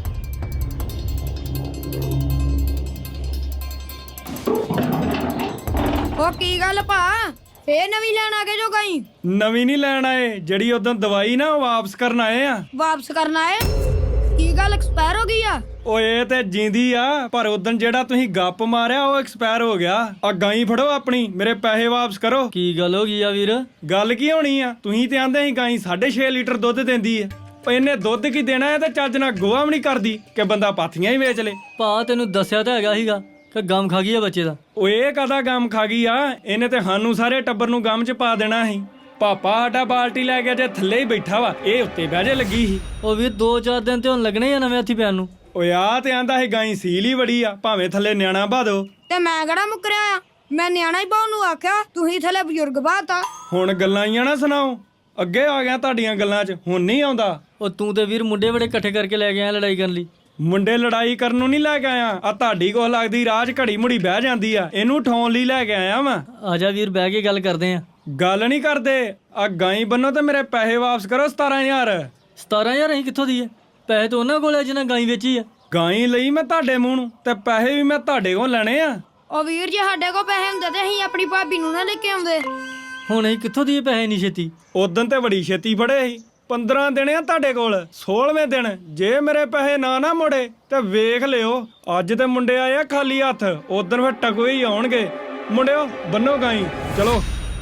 Speaker 5: ਉਹ ਕੀ ਗੱਲ ਭਾ, ਫੇਰ ਨਵੀਂ ਲੈਣ ਆ ਗਏ ਜੋ ਗਈ?
Speaker 10: ਨਵੀਂ ਨਹੀਂ ਲੈਣ ਆਏ, ਜਿਹੜੀ ਉਦੋਂ ਦਵਾਈ ਨਾ ਉਹ ਵਾਪਸ ਕਰਨ ਆਏ ਆ।
Speaker 5: ਵਾਪਸ ਕਰਨਾ ਹੈ? ਕੀ ਗੱਲ ਐਕਸਪਾਇਰ ਹੋ ਗਈ ਆ?
Speaker 10: ਓਏ ਇਹ ਤੇ ਜਿੰਦੀ ਆ, ਪਰ ਉਦੋਂ ਜਿਹੜਾ ਤੁਸੀਂ ਗੱਪ ਮਾਰਿਆ ਉਹ ਐਕਸਪਾਇਰ ਹੋ ਗਿਆ। ਆ ਗਾਈ ਫੜੋ ਆਪਣੀ, ਮੇਰੇ ਪੈਸੇ ਵਾਪਸ ਕਰੋ।
Speaker 1: ਕੀ ਗੱਲ ਹੋ ਗਈ ਆ ਵੀਰ?
Speaker 10: ਗੱਲ ਕੀ ਹੋਣੀ ਆ, ਤੁਸੀਂ ਤੇ ਆਂਦੇ ਸੀ ਗਾਈ 6.5 ਲੀਟਰ ਦੁੱਧ ਦਿੰਦੀ ਆ। ਓ ਇਹਨੇ ਦੁੱਧ ਕੀ ਦੇਣਾ ਹੈ ਤੇ ਚੱਜ ਨਾਲ ਗੋਹਾ ਵੀ ਨਹੀਂ ਕਰਦੀ ਕਿ ਬੰਦਾ ਪਾਥੀਆਂ ਹੀ ਵੇਚ ਲੇ।
Speaker 1: ਭਾ ਤੈਨੂੰ ਦੱਸਿਆ ਤਾਂ ਹੈਗਾ ਸੀਗਾ ਕਿ ਗਮ ਖਾ ਗਈ ਆ ਬੱਚੇ ਦਾ।
Speaker 10: ਓਏ ਇਹ ਕਾਹਦਾ ਗਮ ਖਾ ਗਈ ਆ? ਇਹਨੇ ਤੇ ਸਾਨੂੰ ਸਾਰੇ ਟੱਬਰ ਨੂੰ ਗਮ 'ਚ ਪਾ ਦੇਣਾ ਸੀ। ਪਾਪਾ ਸਾਡਾ ਬਾਲਟੀ ਲੈ ਗਿਆ ਜੇ ਥੱਲੇ ਹੀ ਬੈਠਾ ਵਾ, ਇਹ ਉੱਤੇ ਬਹਿ ਜੇ ਲੱਗੀ ਸੀ।
Speaker 1: ਉਹ ਵੀਰ 2-4 ਦਿਨ ਤੇ ਹੁਣ ਲੱਗਣੇ ਆ ਨਵੇਂ ਹੱਥੀ ਪੈਣ ਨੂੰ।
Speaker 10: ਓਏ ਆ ਤੇ ਆਂਦਾ ਸੀ ਗਾਈ ਸੀਲ ਹੀ ਬੜੀ ਆ, ਭਾਵੇਂ ਥੱਲੇ ਨਿਆਣਾ ਬਾ ਦੋ।
Speaker 5: ਤੇ ਮੈਂ ਕਿਹੜਾ ਮੁੱਕਰਿਆ ਆ? ਮੈਂ ਨਿਆਣਾ ਹੀ ਪਾਉਣ ਨੂੰ ਆਖਿਆ, ਤੁਸੀਂ ਥੱਲੇ ਬਜ਼ੁਰਗ ਬਾਤਾ।
Speaker 10: ਹੁਣ ਗੱਲਾਂ ਹੀ ਆ ਨਾ ਸੁਣਾਓ, ਅੱਗੇ ਆ ਗਿਆ ਤੁਹਾਡੀਆਂ ਗੱਲਾਂ 'ਚ, ਹੁਣ ਨਹੀਂ ਆਉਂਦਾ।
Speaker 1: ਉਹ ਤੂੰ ਤੇ ਵੀਰ ਮੁੰਡੇ ਬੜੇ ਇਕੱਠੇ ਕਰਕੇ ਲੈ ਕੇ ਆਇਆ ਲੜਾਈ ਕਰਨ ਲਈ।
Speaker 10: ਮੁੰਡੇ ਲੜਾਈ ਕਰਨ ਨੂੰ ਨਹੀਂ ਲੈ ਕੇ ਆਇਆ, ਆ ਤੁਹਾਡੀ ਕੋਲ ਲੱਗਦੀ ਰਾਜ ਘੜੀ ਮੁੜੀ ਬਹਿ ਜਾਂਦੀ ਆ, ਇਹਨੂੰ ਠਾਉਣ ਲਈ ਲੈ ਕੇ ਆਇਆ ਵਾਂ।
Speaker 1: ਆਜਾ ਵੀਰ ਬਹਿ ਕੇ ਗੱਲ ਕਰਦੇ ਆ।
Speaker 10: ਗੱਲ ਨਹੀਂ ਕਰਦੇ, ਆ ਗਾਈ ਬੰਨੋ ਤੇ ਮੇਰੇ ਪੈਸੇ ਵਾਪਸ ਕਰੋ। 17,000
Speaker 1: 17,000 ਅਸੀਂ ਕਿੱਥੋਂ ਦੀਏ? ਪੈਸੇ ਤਾਂ ਉਹਨਾਂ ਕੋਲ ਆ ਜਿਹਨਾਂ ਗਾਈ ਵੇਚੀ ਆ।
Speaker 10: ਗਾਈ ਲਈ ਮੈਂ ਤੁਹਾਡੇ ਮੂੰਹ ਨੂੰ, ਤੇ ਪੈਸੇ ਵੀ ਮੈਂ ਤੁਹਾਡੇ ਕੋਲ ਲੈਣੇ ਆ।
Speaker 5: ਉਹ ਵੀਰ ਜੇ ਸਾਡੇ ਕੋਲ ਪੈਸੇ ਹੁੰਦੇ ਤੇ ਅਸੀਂ ਆਪਣੀ ਭਾਬੀ ਨੂੰ ਨਾ ਲੈ ਕੇ ਆਉਂਦੇ।
Speaker 1: ਹੁਣ ਅਸੀਂ ਕਿੱਥੋਂ ਦੀਏ ਪੈਸੇ ਨਹੀਂ ਛੇਤੀ?
Speaker 10: ਉਦੋਂ ਤੇ ਬੜੀ ਛੇਤੀ ਫੜੇ ਸੀ। 15 ਦਿਨ ਆ ਤੁਹਾਡੇ ਕੋਲ, 16ਵੇਂ ਦਿਨ ਜੇ ਮੇਰੇ ਪੈਸੇ ਨਾ ਮੋੜੇ ਤੇ ਵੇਖ ਲਿਓ। ਅੱਜ ਤੇ ਮੁੰਡੇ ਆਏ ਆ ਖਾਲੀ ਹੱਥ, ਉਦੋਂ ਫਿਰ ਟਕਵੇ ਹੀ ਆਉਣਗੇ। ਮੁੰਡਿਓ ਬੰਨੋ ਗਾਈ, ਚਲੋ।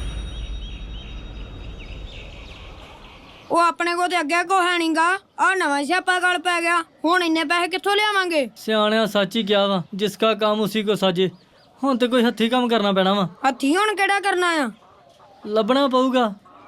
Speaker 5: ਉਹ ਆਪਣੇ ਕੋ ਤੇ ਅੱਗੇ ਕੋ ਹੈ ਨਹੀਂਗਾ, ਆ ਨਵਾਂ ਸਿਆਪਾ ਗਲ ਪੈ ਗਿਆ। ਹੁਣ ਇੰਨੇ ਪੈਸੇ ਕਿੱਥੋਂ ਲਿਆਵਾਂਗੇ?
Speaker 1: ਸਿਆਣਿਆ ਸੱਚ ਹੀ ਕਿਹਾ ਵਾ, ਜਿਸ ਕਾ ਕੰਮ ਉਸੀ ਕੋ ਸਾਜੇ। ਹੁਣ ਤੇ ਕੋਈ ਹੱਥੀ ਕੰਮ ਕਰਨਾ ਪੈਣਾ ਵਾ।
Speaker 5: ਹੱਥੀ ਹੁਣ ਕਿਹੜਾ ਕਰਨਾ ਆ?
Speaker 1: ਲੱਭਣਾ ਪਊਗਾ।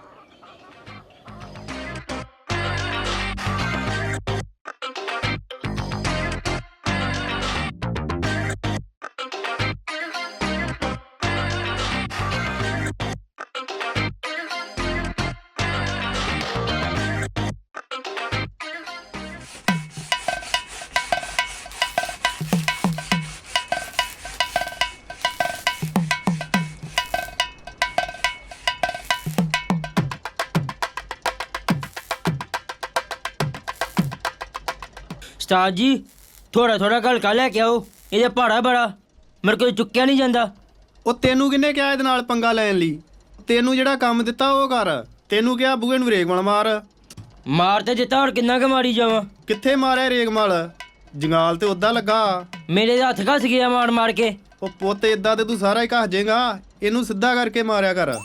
Speaker 16: ਉਸਤਾਦ ਜੀ ਥੋੜਾ ਥੋੜਾ ਹਲਕਾ ਲੈ ਕੇ ਆਓ, ਇਹਦਾ ਭਾੜਾ ਬੜਾ ਮੇਰੇ ਕੋਲ ਚੁੱਕਿਆ ਨਹੀਂ ਜਾਂਦਾ।
Speaker 3: ਉਹ ਤੈਨੂੰ ਕਿਹਨੇ ਕਿਹਾ ਇਹਦੇ ਨਾਲ ਪੰਗਾ ਲੈਣ ਲਈ? ਤੈਨੂੰ ਜਿਹੜਾ ਕੰਮ ਦਿੱਤਾ ਉਹ ਕਰ। ਤੈਨੂੰ ਕਿਹਾ ਬੂਹੇ ਨੂੰ ਰੇਗਮਲ ਮਾਰ
Speaker 16: ਤੇ ਦਿੱਤਾ, ਹੁਣ ਕਿੰਨਾ ਕੁ ਮਾਰੀ ਜਾਵਾਂ?
Speaker 3: ਕਿੱਥੇ ਮਾਰਿਆ ਰੇਗਮਲ? ਜੰਗਾਲ ਤੇ ਉਦਾਂ ਲੱਗਾ,
Speaker 16: ਮੇਰੇ ਹੱਥ ਘਸ ਗਿਆ ਮਾਰ ਮਾਰ ਕੇ।
Speaker 3: ਉਹ ਪੁੱਤ ਇਦਾਂ ਤੇ ਤੂੰ ਸਾਰਾ ਹੀ ਘਸ ਜਾਏਗਾ, ਇਹਨੂੰ ਸਿੱਧਾ ਕਰਕੇ ਮਾਰਿਆ ਕਰ।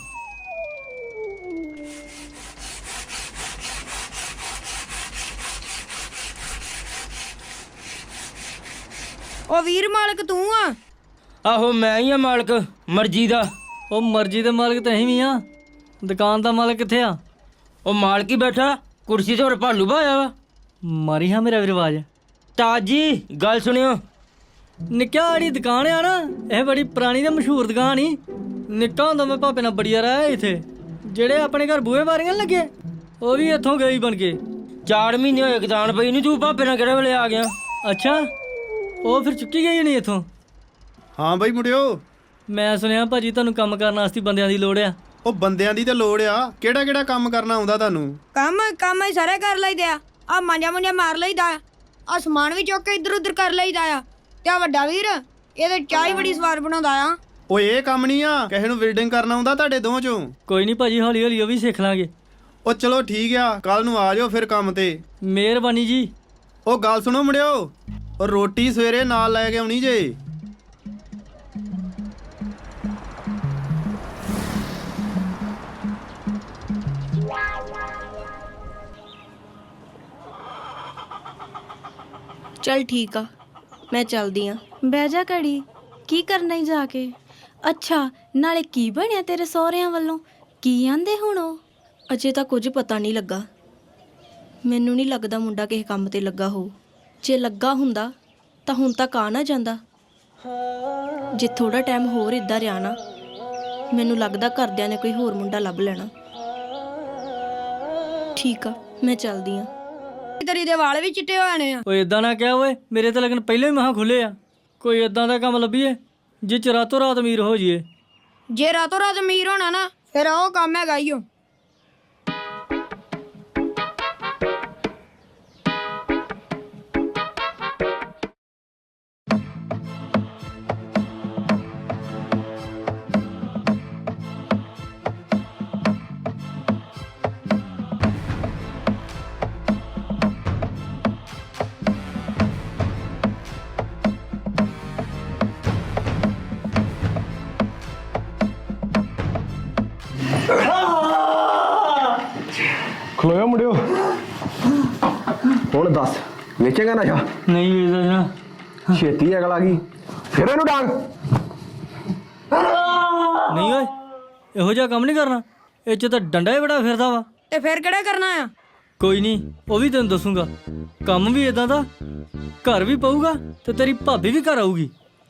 Speaker 5: ਉਹ ਵੀਰ ਮਾਲਕ ਤੂੰ ਆ?
Speaker 16: ਆਹੋ ਮੈਂ ਹੀ ਆ ਮਾਲਕ, ਮਰਜ਼ੀ ਦਾ।
Speaker 1: ਉਹ ਮਰਜ਼ੀ ਦੇ ਮਾਲਕ ਤਾਂ ਅਸੀਂ ਵੀ ਆ, ਦੁਕਾਨ ਦਾ ਮਾਲਕ ਕਿੱਥੇ ਆ?
Speaker 16: ਉਹ ਮਾਲਕ ਹੀ ਬੈਠਾ ਕੁਰਸੀ ਤੇ, ਹੋਰ ਭਾਲੂ ਭਾਇਆ ਵਾ।
Speaker 1: ਮਾਰੀ ਹਾਂ ਮੇਰਾ ਰਿਵਾਜ।
Speaker 16: ਉਸਤਾਦ ਜੀ ਗੱਲ ਸੁਣਿਓ।
Speaker 1: ਨਿੱਕਾ ਜਿਹੜੀ ਦੁਕਾਨ ਆ ਨਾ, ਇਹ ਬੜੀ ਪੁਰਾਣੀ ਤੇ ਮਸ਼ਹੂਰ ਦੁਕਾਨ ਹੀ। ਨਿੱਕਾ ਹੁੰਦਾ ਮੈਂ ਭਾਪੇ ਨਾਲ ਬੜੀ ਵਾਰ ਆਇਆ ਇੱਥੇ। ਜਿਹੜੇ ਆਪਣੇ ਘਰ ਬੂਹੇ ਬਾਰੀਆਂ ਲੱਗੇ, ਉਹ ਵੀ ਇੱਥੋਂ ਗਈ ਬਣ ਕੇ।
Speaker 16: 4 ਮਹੀਨੇ ਹੋਏ ਕਿਤਾਨ ਪਈ ਨੂੰ, ਤੂੰ ਭਾਪੇ ਨਾਲ ਕਿਹੜੇ ਵੇਲੇ ਆ ਗਿਆ?
Speaker 1: ਅੱਛਾ, ਉਹ ਫਿਰ ਚੁੱਕੀ ਗਈ ਨਹੀਂ ਇੱਥੋਂ?
Speaker 3: ਹਾਂ ਬਈ ਮੁੰਡਿਓ,
Speaker 1: ਮੈਂ ਸੁਣਿਆ ਭਾਜੀ ਤੁਹਾਨੂੰ ਕੰਮ ਕਰਨ ਵਾਸਤੇ ਬੰਦਿਆਂ ਦੀ ਲੋੜ ਆ।
Speaker 3: ਉਹ ਬੰਦਿਆਂ ਦੀ ਤੇ ਲੋੜ ਆ, ਕਿਹੜਾ ਕਿਹੜਾ ਕੰਮ ਕਰਨਾ ਆਉਂਦਾ ਤੁਹਾਨੂੰ?
Speaker 5: ਕੰਮ ਹੀ ਸਾਰੇ ਕਰ ਲਈਦੇ ਆ। ਆ ਮਾਂਜਾ ਮਾਰ ਲਈਦਾ ਆ, ਸਮਾਨ ਵੀ ਚੁੱਕ ਕੇ ਇੱਧਰ ਉੱਧਰ ਕਰ ਲਈਦਾ ਆ। ਤੇ ਆ ਵੱਡਾ ਵੀਰ ਇਹਦੇ ਚਾਹ ਹੀ ਬੜੀ ਸਵਾਦ ਬਣਾਉਂਦਾ ਆ।
Speaker 3: ਓਏ ਇਹ ਕੰਮ ਨਹੀਂ ਆ, ਕਿਸੇ ਨੂੰ ਬਿਲਡਿੰਗ ਕਰਨਾ ਆਉਂਦਾ ਤੁਹਾਡੇ ਦੋਵਾਂ ਚੋਂ?
Speaker 1: ਕੋਈ ਨਹੀਂ ਭਾਜੀ, ਹੌਲੀ ਹੌਲੀ ਉਹ ਵੀ ਸਿੱਖ ਲਾਂਗੇ।
Speaker 3: ਉਹ ਚਲੋ ਠੀਕ ਆ, ਕੱਲ ਨੂੰ ਆ ਜਾਓ ਫਿਰ ਕੰਮ ਤੇ।
Speaker 1: ਮਿਹਰਬਾਨੀ ਜੀ।
Speaker 3: ਉਹ ਗੱਲ ਸੁਣੋ ਮੁੰਡਿਓ, ਉਹ ਰੋਟੀ ਸਵੇਰੇ ਨਾਲ ਲੈ ਕੇ ਆਉਣੀ ਜੇ।
Speaker 4: ਚੱਲ ਠੀਕ ਆ, ਮੈਂ ਚੱਲਦੀ ਆ।
Speaker 17: ਬਹਿ ਜਾ ਘੜੀ, ਕੀ ਕਰਨਾ ਈ ਜਾ ਕੇ? ਅੱਛਾ, ਨਾਲੇ ਕੀ ਬਣਿਆ ਤੇਰੇ ਸਹੁਰਿਆਂ ਵੱਲੋਂ? ਕੀ ਆਂਦੇ ਹੁਣ ਉਹ?
Speaker 4: ਅਜੇ ਤਾਂ ਕੁਝ ਪਤਾ ਨਹੀਂ ਲੱਗਾ। ਮੈਨੂੰ ਨਹੀਂ ਲੱਗਦਾ ਮੁੰਡਾ ਕਿਸੇ ਕੰਮ ਤੇ ਲੱਗਾ ਹੋਊ। ਜੇ ਲੱਗਾ ਹੁੰਦਾ ਤਾਂ ਹੁਣ ਤੱਕ ਆ ਨਾ ਜਾਂਦਾ। ਜੇ ਥੋੜਾ ਟਾਈਮ ਹੋਰ ਇੱਦਾਂ ਰਿਹਾ ਨਾ, ਮੈਨੂੰ ਲੱਗਦਾ ਘਰਦਿਆਂ ਨੇ ਕੋਈ ਹੋਰ ਮੁੰਡਾ ਲੱਭ ਲੈਣਾ। ਠੀਕ ਆ, ਮੈਂ ਚੱਲਦੀ ਆ।
Speaker 5: ਤੇਰੀ ਦੇ ਵਾਲ ਵੀ ਚਿੱਟੇ ਹੋ ਜਾਣੇ ਆ।
Speaker 1: ਓਏ ਇਦਾਂ ਨਾ ਕਹਿ ਓਏ, ਮੇਰੇ ਤਾਂ ਲਗਨ ਪਹਿਲਾਂ ਹੀ ਮਹਾਂ ਖੁੱਲੇ ਆ। ਕੋਈ ਇਦਾਂ ਦਾ ਕੰਮ ਲੱਭੀਏ ਜਿਹ ਚ ਰਾਤੋਂ ਰਾਤ ਅਮੀਰ ਹੋ ਜਾਈਏ।
Speaker 5: ਜੇ ਰਾਤੋਂ ਰਾਤ ਅਮੀਰ ਹੋਣਾ ਨਾ ਫਿਰ ਉਹ ਕੰਮ ਹੈਗਾ ਈ ਓ।
Speaker 18: ਖਲੋਇਓ ਮੁੰਡਿਓ, ਹੁਣ ਦੱਸ ਵੇਚੇਗਾ ਨਸ਼ਾ?
Speaker 1: ਨਹੀਂ ਵੇਚਦਾ ਨਾ।
Speaker 18: ਛੇਤੀ ਅਗਲ ਆ ਗਈ, ਫਿਰ ਇਹਨੂੰ ਡਾਂਗ।
Speaker 1: ਨਹੀਂ ਓਏ, ਇਹੋ ਜਿਹਾ ਕੰਮ ਨਹੀਂ ਕਰਨਾ। ਇਹ ਚ ਤਾਂ ਡੰਡਾ ਹੀ ਬੜਾ ਫਿਰਦਾ ਵਾ।
Speaker 5: ਤੇ ਫਿਰ ਕਿਹੜਾ ਕਰਨਾ ਆ?
Speaker 1: ਕੋਈ ਨਹੀਂ, ਉਹ ਵੀ ਤੈਨੂੰ ਦੱਸੂਗਾ। ਕੰਮ ਵੀ ਇਦਾਂ ਦਾ, ਘਰ ਵੀ ਪਊਗਾ ਤੇ ਤੇਰੀ ਭਾਬੀ ਵੀ ਘਰ ਆਊਗੀ।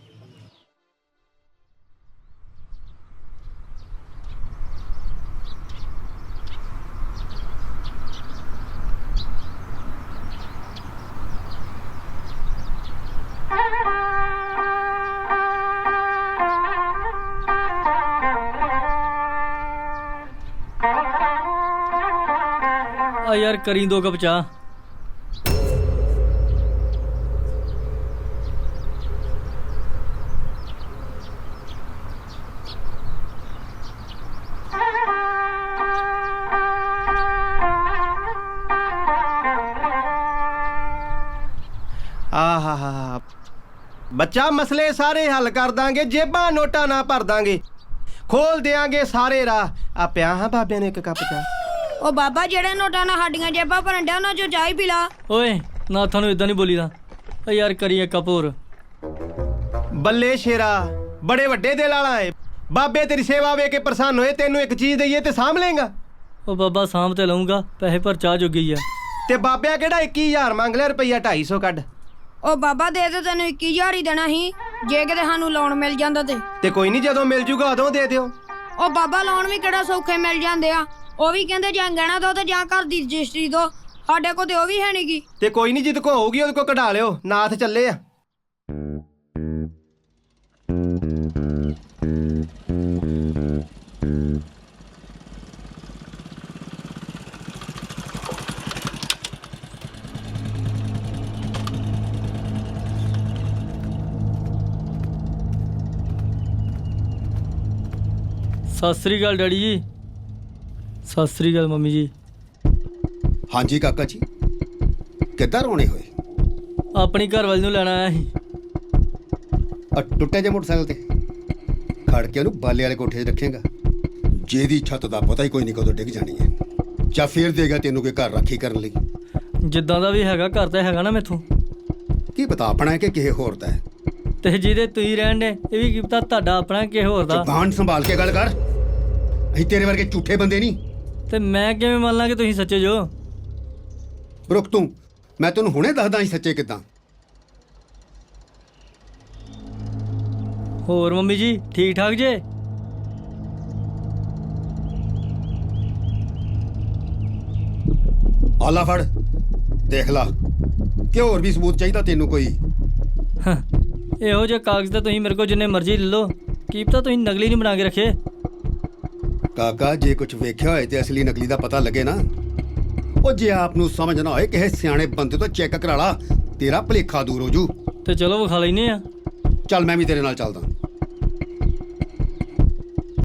Speaker 1: ਆ ਯਾਰ ਕਰੀ 2 ਕੱਪ ਚਾਹ।
Speaker 3: ਆਹਾ ਬੱਚਾ, ਮਸਲੇ ਸਾਰੇ ਹੱਲ ਕਰ ਦਾਂਗੇ, ਜੇਬਾਂ ਨੋਟਾਂ ਨਾ ਭਰ ਦਾਂਗੇ, ਖੋਲ ਦੇਾਂਗੇ ਸਾਰੇ ਰਾਹ। ਆ ਪਿਆ ਹਾਂ ਬਾਬਿਆਂ ਨੇ 1 ਕੱਪ ਚਾਹ।
Speaker 5: ਉਹ ਬਾਬਾ ਜਿਹੜੇ ਨੋਟਾਂ ਨਾਲ ਸਾਡੀਆਂ ਜੇਬਾਂ ਭਰਨ ਡਿਆ ਉਹਨਾਂ ਚੋਂ ਚਾਹ ਹੀ ਪੀ ਲਾ।
Speaker 1: ਓਏ ਨਾ, ਤੁਹਾਨੂੰ ਇਦਾਂ ਨਹੀਂ ਬੋਲੀਦਾ। ਓ ਯਾਰ ਕਰੀ 1 ਕੱਪ ਹੋਰ।
Speaker 3: ਬੱਲੇ ਸ਼ੇਰਾ, ਬੜੇ ਵੱਡੇ ਦਿਲ ਵਾਲਾ ਏ। ਬਾਬੇ ਤੇਰੀ ਸੇਵਾ ਵੇਖ ਕੇ ਪ੍ਰਸੰਨ ਹੋਏ, ਤੈਨੂੰ ਇੱਕ ਚੀਜ਼ ਦਈਏ ਤੇ ਸਾਂਭ ਲੇਗਾ?
Speaker 1: ਉਹ ਬਾਬਾ ਸਾਂਭ ਤੇ ਲਊਂਗਾ, ਪੈਸੇ ਪਰ ਚਾਹ ਜੋਗੀ ਆ।
Speaker 3: ਤੇ ਬਾਬਿਆਂ ਕਿਹੜਾ 21,000 ਮੰਗ ਲਿਆ, ਰੁਪਈਆ 250 ਕੱਢ।
Speaker 5: ਉਹ ਬਾਬਾ ਦੇ ਤੇ ਤੈਨੂੰ 21,000 ਹੀ ਦੇਣਾ ਸੀ ਜੇ ਕਿਤੇ ਸਾਨੂੰ ਲੋਨ ਮਿਲ ਜਾਂਦਾ
Speaker 3: ਤੇ ਕੋਈ ਨਹੀਂ, ਜਦੋਂ ਮਿਲ ਜੂਗਾ ਉਦੋਂ ਦੇ ਦਿਓ।
Speaker 5: ਉਹ ਬਾਬਾ ਲੋਨ ਵੀ ਕਿਹੜਾ ਸੌਖੇ ਮਿਲ ਜਾਂਦੇ ਆ। ਉਹ ਵੀ ਕਹਿੰਦੇ ਜਾਂ ਗਹਿਣਾ ਦੋ ਤੇ ਜਾਂ ਘਰ ਦੀ ਰਜਿਸਟਰੀ ਦੋ। ਸਾਡੇ ਕੋਲ ਤੇ ਉਹ ਵੀ ਹੈ ਨੀ ਗੀ।
Speaker 3: ਤੇ ਕੋਈ ਨਹੀਂ, ਜਿੱਦ ਕੋ ਹੋਊਗੀ ਉਹਦੇ ਕੋ ਕਢਾ ਲਿਓ। ਨਾਥ ਚੱਲੇ ਆ।
Speaker 1: ਸਤਿ ਸ੍ਰੀ ਅਕਾਲ ਡੈਡੀ ਜੀ। ਸਤਿ ਸ੍ਰੀ ਅਕਾਲ ਮੰਮੀ ਜੀ।
Speaker 9: ਹਾਂਜੀ ਕਾਕਾ ਜੀ, ਕਿੱਦਾਂ ਰੋਣੇ ਹੋਏ?
Speaker 1: ਆਪਣੀ ਘਰ ਵਾਲੀ ਨੂੰ ਲੈਣ ਆਇਆ ਸੀ।
Speaker 9: ਟੁੱਟੇ ਜੇ ਮੋਟਰਸਾਈਕਲ ਤੇ ਖੜ ਕੇ ਉਹਨੂੰ ਬਾਲੇ ਵਾਲੇ ਕੋਠੇ 'ਚ ਰੱਖੇਗਾ। ਜਿਹਦੀ ਛੱਤ ਦਾ ਪਤਾ ਹੀ ਕੋਈ ਨਹੀਂ ਕਦੋਂ ਡਿੱਗ ਜਾਣੀ ਹੈ। ਜਾਂ ਫੇਰ ਦੇਗਾ ਤੈਨੂੰ ਕੋਈ ਘਰ ਰਾਖੀ ਕਰਨ ਲਈ।
Speaker 1: ਜਿੱਦਾਂ ਦਾ ਵੀ ਹੈਗਾ, ਘਰ ਤਾਂ ਹੈਗਾ ਨਾ ਮੈਥੋਂ।
Speaker 9: ਕੀ ਪਤਾ ਆਪਣਾ ਹੈ ਕਿ ਕਿਸੇ ਹੋਰ ਦਾ ਹੈ।
Speaker 1: ਤੇ ਜਿਹਦੇ ਤੁਸੀਂ ਰਹਿਣ ਨੇ, ਇਹ ਵੀ ਕੀ ਪਤਾ ਤੁਹਾਡਾ ਆਪਣਾ ਕਿਸੇ ਹੋਰ ਦਾ।
Speaker 9: ਜ਼ੁਬਾਨ ਸੰਭਾਲ ਕੇ ਗੱਲ ਕਰ। ਅਸੀਂ ਤੇਰੇ ਵਰਗੇ ਝੂਠੇ ਬੰਦੇ ਨਹੀਂ।
Speaker 1: ਤੇ ਮੈਂ ਕਿਵੇਂ ਮੰਨ ਲਾਂ ਕਿ ਤੁਸੀਂ ਸੱਚੇ ਜੋ?
Speaker 9: ਰੁਕ ਤੂੰ, ਮੈਂ ਤੈਨੂੰ ਹੁਣੇ ਦੱਸਦਾ ਅਸੀਂ ਸੱਚੇ ਕਿੱਦਾਂ।
Speaker 1: ਹੋਰ ਮੰਮੀ ਜੀ ਠੀਕ ਠਾਕ ਜੇ?
Speaker 9: ਆਲਾ ਫੜ, ਦੇਖ ਲਾ ਕਿ ਹੋਰ ਵੀ ਸਬੂਤ ਚਾਹੀਦਾ ਤੈਨੂੰ ਕੋਈ?
Speaker 1: ਇਹੋ ਜਿਹੇ ਕਾਗਜ਼ ਤਾਂ ਤੁਸੀਂ ਮੇਰੇ ਕੋਲ ਜਿੰਨੇ ਮਰਜ਼ੀ ਲੈ ਲਓ, ਕੀ ਪਤਾ ਤੁਸੀਂ ਨਕਲੀ ਨਹੀਂ ਬਣਾ ਕੇ ਰੱਖੇ।
Speaker 9: ਕਾਕਾ, ਜੇ ਕੁਝ ਵੇਖਿਆ ਹੋਏ ਤੇ ਅਸਲੀ ਨਕਲੀ ਦਾ ਪਤਾ ਲੱਗੇ ਨਾ। ਉਹ ਜੇ ਆਪ ਨੂੰ ਸਮਝ ਨਾ ਹੋਏ, ਕਿਸੇ ਸਿਆਣੇ ਬੰਦੇ ਤੋਂ ਚੈੱਕ ਕਰਾ ਲਾ, ਤੇਰਾ ਭੁਲੇਖਾ ਦੂਰ ਹੋ ਜੂ।
Speaker 1: ਤੇ ਚਲੋ ਵਿਖਾ ਲੈਨੇ ਆ।
Speaker 9: ਚੱਲ ਮੈਂ ਵੀ ਤੇਰੇ ਨਾਲ ਚੱਲਦਾ।